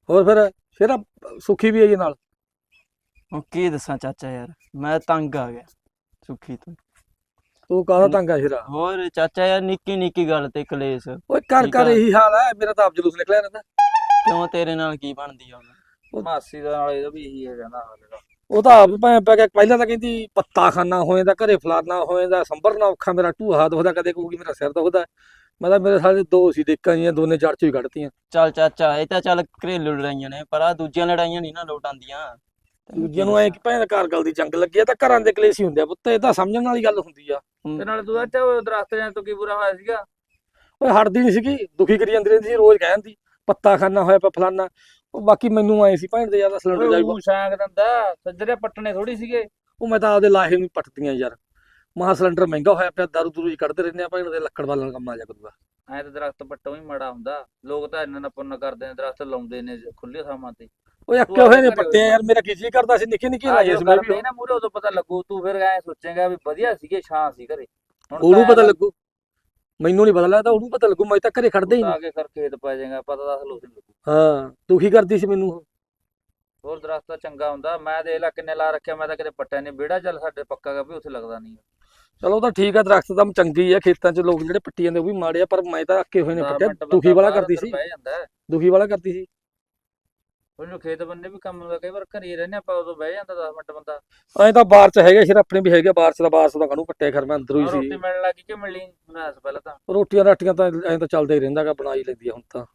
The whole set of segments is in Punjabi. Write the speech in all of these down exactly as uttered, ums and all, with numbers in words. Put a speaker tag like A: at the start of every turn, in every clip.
A: ਹੋਰ ਫਿਰ ਸ਼ੇਰਾ ਸੁੱਖੀ ਵੀ ਆਈ ਨਾਲ।
B: ਹੁਣ ਕੀ ਦੱਸਾਂ ਚਾਚਾ ਯਾਰ, ਮੈਂ ਤੰਗ ਆ ਗਿਆ ਸੁੱਖੀ ਤੋਂ।
A: ਤੂੰ ਕਾਹਦਾ ਤੰਗ ਆ ਸ਼ੇਰਾ?
B: ਹੋਰ ਚਾਚਾ ਯਾਰ, ਨਿੱਕੀ ਨਿੱਕੀ ਗੱਲ ਤੇ ਕਲੇਸ਼।
A: ਓਏ ਘਰ
B: ਠੀਕ
A: ਘਰ
B: ਆ।
A: ਇਹੀ ਹਾਲ ਹੈ, ਮੇਰਾ ਤਾਂ ਆਪ ਜਲੂਸ ਨਿਕਲਿਆ ਰਹਿੰਦਾ।
B: ਕਿਉਂ ਤੇਰੇ ਨਾਲ ਕੀ ਬਣਦੀ ਆ ਹੁਣ?
C: ਮਾਸੀ ਦਾ ਨਾਲ ਇਹਦਾ ਵੀ ਇਹੀ ਹੈ ਕਹਿੰਦਾ ਹਾਲੇ ਦਾ।
A: ਉਹ ਤਾਂ ਆਪ ਭੈਣ ਪੈ ਗਿਆ, ਪਹਿਲਾਂ ਤਾਂ ਕਹਿੰਦੀ ਪੱਤਾ ਖਾਨਾ ਹੋ ਜਾਂਦਾ ਘਰੇ, ਫਲਾਨਾ ਹੋ ਜਾਂਦਾ, ਸੰਭਰਨਾ ਔਖਾ, ਮੇਰਾ ਢੂਹਾ ਦੁਖਦਾ, ਕਦੇ ਕਹੂਗੀ ਮੇਰਾ ਸਿਰ ਦੁਖਦਾ। ਮੈਂ ਤਾਂ ਮੇਰੇ ਸਾਰੇ ਦੋ ਸੀ ਦੇਖਾਂ ਜੀਆਂ, ਦੋਨੇ ਜੜ ਚੋਂ ਹੀ ਕੱਢਤੀਆਂ।
B: ਚੱਲ ਚਾਚਾ, ਇਹ ਤਾਂ ਚੱਲ ਘਰੇਲੂ ਲੜਾਈਆਂ ਨੇ, ਪਰ ਆ ਦੂਜੀਆਂ ਲੜਾਈਆਂ ਨਹੀਂ ਨਾ ਲੋਟ ਆਉਂਦੀਆਂ।
A: ਦੂਜਿਆਂ ਨੂੰ ਐ ਕਿ ਭੈਣ ਘਰ ਗੱਲ ਦੀ ਜੰਗ ਲੱਗੀ ਆ, ਤਾਂ ਘਰਾਂ ਦੇ ਕਲੇਸ਼ ਹੀ ਹੁੰਦੇ ਆ ਪੁੱਤ, ਇਹ ਤਾਂ ਸਮਝਣ ਵਾਲੀ ਗੱਲ ਹੁੰਦੀ ਆ।
C: ਤੇ ਨਾਲੇ ਤੂੰ ਅੱਛਾ ਉਹ ਦਰਖਤ ਜਾਂ ਤੋਂ ਕੀ ਬੁਰਾ ਹੋਇਆ ਸੀਗਾ?
A: ਓਏ ਹਟਦੀ ਨਹੀਂ ਸੀਗੀ, ਦੁਖੀ ਕਰੀ ਜਾਂਦੀ ਰਹਿੰਦੀ ਸੀ, ਰੋਜ਼ ਕਹਿ ਜਾਂਦੀ ਪੱਤਾ ਖਾਨਾ ਹੋਇਆ ਪਿਆ ਫਲਾਨਾ। ਉਹ ਬਾਕੀ ਮੈਨੂੰ ਆਏ ਸੀ ਭੈਣ ਦੇ ਯਾਰ ਸਿਲੰਡਰ ਜਾਈ,
C: ਉਹ ਸ਼ਾਂਗ ਦਿੰਦਾ, ਸੱਜਰੇ ਪੱਟਣੇ ਥੋੜੀ ਸੀਗੇ।
A: ਉਹ ਮੈਂ ਤਾਂ ਆਪਦੇ ਲਾਹੇ ਨੂੰ ਪੱਟਦੀਆਂ ਯਾਰ। ਮਹਾ ਸਿਲੰਡਰ ਮਹਿੰਗਾ ਹੋਇਆ ਪਿਆ, ਦਾਰੂ ਦੂਰੂ ਹੀ ਕੱਢਦੇ ਰਹਿੰਦੇ ਆ ਭੈਣ ਦੇ, ਲੱਕੜ ਵਾਲਾ ਕੰਮ ਆ ਜਾ ਕਰੂਗਾ।
C: ਐ ਤਾਂ ਦਰਖਤ ਪੱਟੋ ਹੀ ਮਾੜਾ ਹੁੰਦਾ, ਲੋਕ ਤਾਂ ਇੰਨਾ ਨਾ ਪੁੰਨ ਕਰਦੇ ਨੇ, ਦਰਖਤ ਲਾਉਂਦੇ ਨੇ ਖੁੱਲੇ ਥਾਵਾਂ ਤੇ।
A: ਓਏ ਅੱਕੇ ਹੋਏ ਨੇ ਪੱਟੇ ਆ ਯਾਰ, ਮੇਰਾ ਕੀ ਜੀ ਕਰਦਾ ਸੀ ਨਿੱਕੇ ਨਿੱਕੇ ਲਾਏ ਸੀ ਮੈਂ ਵੀ।
C: ਨਾ ਮੂਰੇ ਉਦੋਂ ਪਤਾ ਲੱਗੂ, ਤੂੰ ਫਿਰ ਐ ਸੋਚੇਗਾ ਵੀ ਵਧੀਆ ਸੀਗੇ, ਛਾਂ ਸੀ ਘਰੇ।
A: ਉਹਨੂੰ ਪਤਾ ਲੱਗੂ, ਮੈਨੂੰ ਨਹੀਂ ਪਤਾ ਲੱਗਦਾ, ਉਹਨੂੰ ਪਤਾ ਲੱਗੂ, ਮੈਂ ਤਾਂ ਘਰੇ ਖੜਦਾ ਹੀ ਨਹੀਂ।
C: ਆਗੇ ਕਰ ਖੇਤ ਪੈ ਜਾਏਗਾ, ਪਤਾ ਦੱਸ ਲੋਕ ਲੱਗੂ।
A: ਹਾਂ ਦੁਖੀ ਕਰਦੀ ਸੀ ਮੈਨੂੰ।
C: ਹੋਰ ਦਰਖਤ ਤਾਂ ਚੰਗਾ ਹੁੰਦਾ, ਮੈਂ ਦੇਖ ਲੈ ਕਿੰਨੇ ਲਾ ਰੱਖਿਆ, ਮੈਂ ਤਾਂ ਕਿਤੇ ਪੱਟਿਆ ਨਹੀਂ। ਵਿਹੜਾ ਚੱਲ ਸਾਡੇ ਪੱਕਾ ਗਾ ਵੀ ਉੱਥੇ ਲੱਗਦਾ ਨਹੀਂ।
A: ਚਲੋ ਉਹ ਤਾਂ ਠੀਕ ਆ, ਦਰਖਤ ਤਾਂ ਚੰਗੀ ਆ, ਖੇਤਾਂ 'ਚ ਲੋਕ ਜਿਹੜੇ ਪੱਟੀ ਜਾਂਦੇ ਉਹ ਵੀ ਮਾੜੇ ਆ, ਪਰ ਮੈਂ ਤਾਂ ਅੱਕੇ ਹੋਏ ਨੇ ਪੱਟਿਆ। ਦੁਖੀ ਵਾਲਾ ਕਰਦੀ ਸੀ,
C: ਬਹਿ ਜਾਂਦਾ
A: ਦੁਖੀ ਵਾਲਾ ਕਰਦੀ ਸੀ।
C: ਉਹਨੂੰ ਖੇਤ ਬੰਨੇ ਵੀ ਕੰਮ ਹੁੰਦਾ, ਕਈ ਵਾਰ ਘਰੇ ਰਹਿੰਦੇ ਆਪਾਂ, ਉਦੋਂ ਬਹਿ ਜਾਂਦਾ ਦਸ ਮਿੰਟ ਬੰਦਾ।
A: ਐਂ ਤਾਂ ਬਾਹਰ 'ਚ ਹੈਗੇ ਸ਼ੇਰ, ਆਪਣੇ ਵੀ ਹੈਗੇ ਬਾਹਰ 'ਚ, ਦਾ ਬਾਹਰ 'ਚ ਦਾ ਕਾਹਨੂੰ ਪੱਟਿਆ ਖਰ, ਮੈਂ ਅੰਦਰੋਂ ਹੀ ਸੀ।
C: ਰੋਟੀ ਮਿਲਣ ਲੱਗੀ ਕਿ ਮਿਲਣੀ ਮੈਂ ਪਹਿਲਾਂ ਤਾਂ
A: ਰੋਟੀਆਂ ਰਾਟੀਆਂ ਤਾਂ ਐਂ ਤਾਂ ਚੱਲਦਾ ਹੀ ਰਹਿੰਦਾ ਗਾ, ਬਣਾ ਹੀ ਲੈਂਦੀ ਆ ਹੁਣ ਤਾਂ।